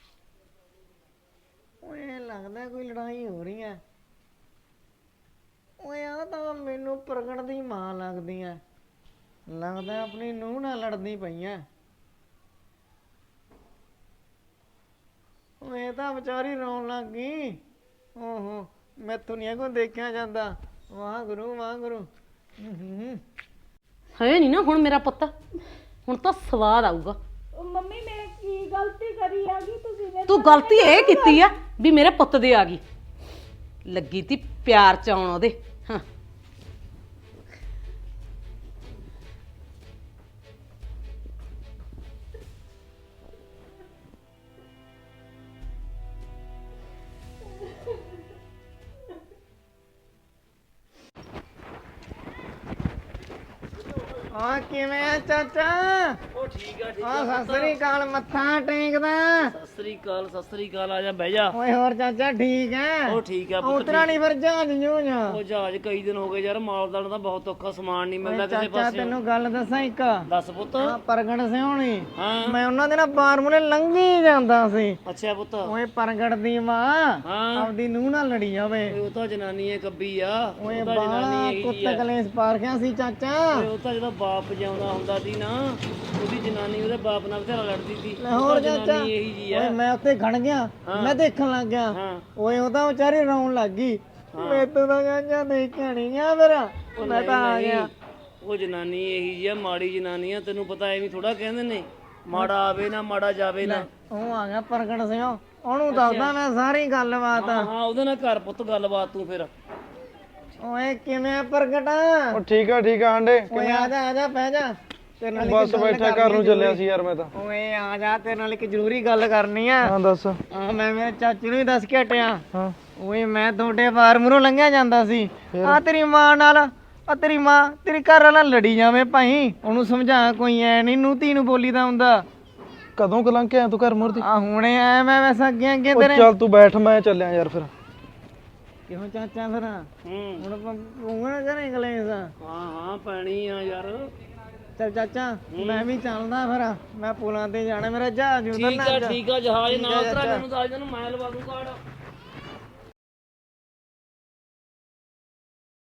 ਓਏ ਲੱਗਦਾ ਕੋਈ ਲੜਾਈ ਹੋ ਰਹੀ ਹੈ। ਓਏ ਆ ਤਾਂ ਮੈਨੂੰ ਪ੍ਰਗਟ ਦੀ ਮਾਂ ਲੱਗਦੀ ਐ, ਲੱਗਦਾ ਆਪਣੀ ਨੂੰਹ ਨਾਲ ਲੜਦੀ ਪਈਆਂ। ਓਏ ਤਾਂ ਵਿਚਾਰੀ ਰੋਣ ਲੱਗ ਗਈ। ਓਹੋ, ਮੈਥੋਂ ਨਹੀਂ ਕੋ ਦੇਖਿਆ ਜਾਂਦਾ। ਵਾਹਿਗੁਰੂ ਵਾਹਿਗੁਰੂ।
ਹੈ ਨਹੀਂ ਨਾ ਹੁਣ ਮੇਰਾ ਪੁੱਤ, ਹੁਣ ਤਾਂ ਸਵਾਦ ਆਊਗਾ।
ਮੰਮੀ ਮੈਂ ਕੀ ਗਲਤੀ ਕਰੀ ਆ ਗਈ? ਤੁਸੀਂ
ਤੂੰ ਗਲਤੀ ਇਹ ਕੀਤੀ ਆ ਵੀ ਮੇਰੇ ਪੁੱਤ ਦੇ ਆ ਗਈ, ਲੱਗੀ ਤੀ ਪਿਆਰ ਚ ਆਉਣ ਉਹਦੇ। ਹਾਂ
ਆ ਕਿਵੇਂ ਆ ਚਾਚਾ?
ਉਹ ਠੀਕ ਆ, ਠੀਕ
ਆ ਸਤਿ ਸ੍ਰੀ ਅਕਾਲ, ਮੱਥਾ ਟੇਕਦਾ।
ਸਤਿ ਸ੍ਰੀ ਅਕਾਲ, ਆ ਜਾ ਬਹਿ ਜਾ।
ਓਏ ਹੋਰ ਚਾਚਾ ਠੀਕ ਹੈ?
ਉਹ ਠੀਕ ਆ ਪੁੱਤ,
ਉਤਰਾ ਨਹੀਂ ਫਿਰ ਜਹਾਜ਼ ਜੂਝ।
ਉਹ ਜਹਾਜ਼ ਕਈ ਦਿਨ ਹੋ ਗਏ ਯਾਰ, ਮਾਲਦਾਰ ਦਾ ਬਹੁਤ ਔਖਾ, ਸਮਾਨ ਨਹੀਂ ਮਿਲਦਾ ਕਿਸੇ
ਚਾਚਾ
ਪਾਸੇ।
ਤੈਨੂੰ ਗੱਲ ਦੱਸਾਂ ਇੱਕ?
ਦੱਸ ਪੁੱਤ।
ਆ ਪ੍ਰਗਟ ਸਿਉਣੀ,
ਹਾਂ
ਮੈਂ ਉਹਨਾਂ ਦੇ ਨਾਲ ਬਾਰਮੂਲੇ ਲੰਘੀ ਜਾਂਦਾ ਸੀ।
ਅੱਛਾ ਪੁੱਤ।
ਓਏ ਪ੍ਰਗਟ ਦੀ ਮਾਂ
ਹਾਂ
ਆਪਦੀ ਨੂੰਹ ਨਾਲ ਲੜੀ ਜਾਵੇ।
ਉਹ ਤਾਂ ਜਨਾਨੀ ਹੈ ਕੱਬੀ ਆ,
ਓਏ
ਉਹ ਤਾਂ
ਬਾਲਾ
ਜਨਾਨੀ ਹੈਗੀ
ਕੁੱਤ
ਆ।
ਕਲੇਸ਼ ਪਾਰਖਿਆ ਸੀ ਚਾਚਾ।
ਉਹ ਤਾਂ ਜਦੋਂ ਬਾਪ ਜਿਉਂਦਾ ਹੁੰਦਾ ਸੀ ਨਾ, ਉਹਦੀ ਉਹਦੀ ਜਨਾਨੀ ਉਹਦੇ ਬਾਪ ਨਾਲ ਬਥੇਰਾ ਲੜਦੀ ਸੀ
ਹੋਰ ਚਾਚਾ
ਜਨਾਨੀ ਇਹੀ ਜੀ
ਓਏ
ਆ
ਮੈਂ ਉੱਥੇ ਖੜ ਗਿਆ ਮੈਂ ਦੇਖਣ ਲੱਗ ਗਿਆ
ਹਾਂ
ਓਏ ਉਹ ਤਾਂ ਵਿਚਾਰੀ ਰੌਣ ਲੱਗ ਗਈ ਮੈਨੂੰ ਤਾਂ ਚਾਚਾ ਦੇਖਿਆ ਨਹੀਂ ਗਿਆ ਮੇਰਾ ਮੈਂ ਤਾਂ ਆ ਗਿਆ
ਉਹ ਜਨਾਨੀ ਇਹੀ ਜੀ ਆ ਮਾੜੀ ਜਨਾਨੀ ਆ ਤੈਨੂੰ ਪਤਾ ਐਵੇਂ ਥੋੜਾ ਕਹਿੰਦੇ ਨੇ ਮਾੜਾ ਆਵੇ ਨਾ ਮਾੜਾ ਜਾਵੇ ਨਾ
ਉਹ ਆ ਗਿਆ ਪ੍ਰਗਟ ਸਿੰਘ ਉਹਨੂੰ ਦੱਸਦਾ ਮੈਂ ਸਾਰੀ ਗੱਲਬਾਤ
ਹਾਂ ਉਹਦੇ ਨਾਲ ਘਰ ਪੁੱਤ ਗੱਲਬਾਤ ਤੂੰ ਫਿਰ
ਓਏ ਕਿਵੇਂ ਪ੍ਰਗਟ
ਉਹ ਠੀਕ ਆ ਆਂਡੇ
ਓਏ ਆ ਜਾ ਬਹਿ ਜਾ ਤੇਰੇ ਨਾਲ
ਬਸ ਬੈਠਾ ਘਰ ਨੂੰ ਚੱਲਿਆ ਸੀ ਯਾਰ ਮੈਂ ਤਾਂ
ਓਏ ਆ ਜਾ ਤੇਰੇ ਨਾਲ ਇੱਕ ਜ਼ਰੂਰੀ ਗੱਲ ਕਰਨੀ ਆ
ਹਾਂ ਦੱਸ
ਆ ਮੈਂ ਮੇਰੇ ਚਾਚੂ ਨੂੰ ਹੀ ਦੱਸ ਕੇ ਹਟਿਆ
ਹਾਂ
ਓਏ ਮੈਂ ਤੁਹਾਡੇ ਫਾਰਮ ਲੰਘਿਆ ਜਾਂਦਾ ਸੀ ਆ ਤੇਰੀ ਮਾਂ ਨਾਲ ਆ ਤੇਰੀ ਮਾਂ ਤੇਰੀ ਘਰ ਵਾਲਾ ਲੜੀ ਜਾਵੇ ਭਾਈ ਉਹਨੂੰ ਸਮਝਾ ਕੋਈ ਐ ਨਹੀਂ ਨੂੰ ਧੀ ਨੂੰ ਬੋਲੀਦਾ ਹੁੰਦਾ
ਕਦੋਂ ਕਲੰਕ ਆਇਆ ਤੂੰ ਘਰ ਮੁਰਦੀ
ਆ ਹੁਣੇ ਆਇਆ ਮੈਂ ਵੈਸਾ ਅੱਗੇ
ਉਹ
ਤੇਰੇ
ਚੱਲ ਤੂੰ ਬੈਠ ਮੈਂ ਚੱਲਿਆ ਯਾਰ ਫਿਰ
ਕਿਉਂ ਚਾਚਾ ਫਿਰ
ਹੂੰ
ਹੁਣ ਪੂੰਗਣਾ ਕਰੇ ਕਲੇਸ
ਹਾਂ ਪੈਣੀ ਆ ਯਾਰ
ਚੱਲ ਚਾਚਾ ਮੈਂ ਵੀ ਚੱਲਦਾ ਫਿਰ ਮੈਂ ਪੁਲਾਂ ਤੇ ਜਾਣਾ ਮੇਰਾ ਜਹਾਜ਼
ਠੀਕ
ਉਤਰਨਾ
ਆ ਜਹਾਜ਼ ਨਾਲ ਉਤਰਾ ਮੈਨੂੰ ਦੱਸ ਦੇ ਮੈਂ ਲਵਾ ਦੂੰ ਕਾਰਡ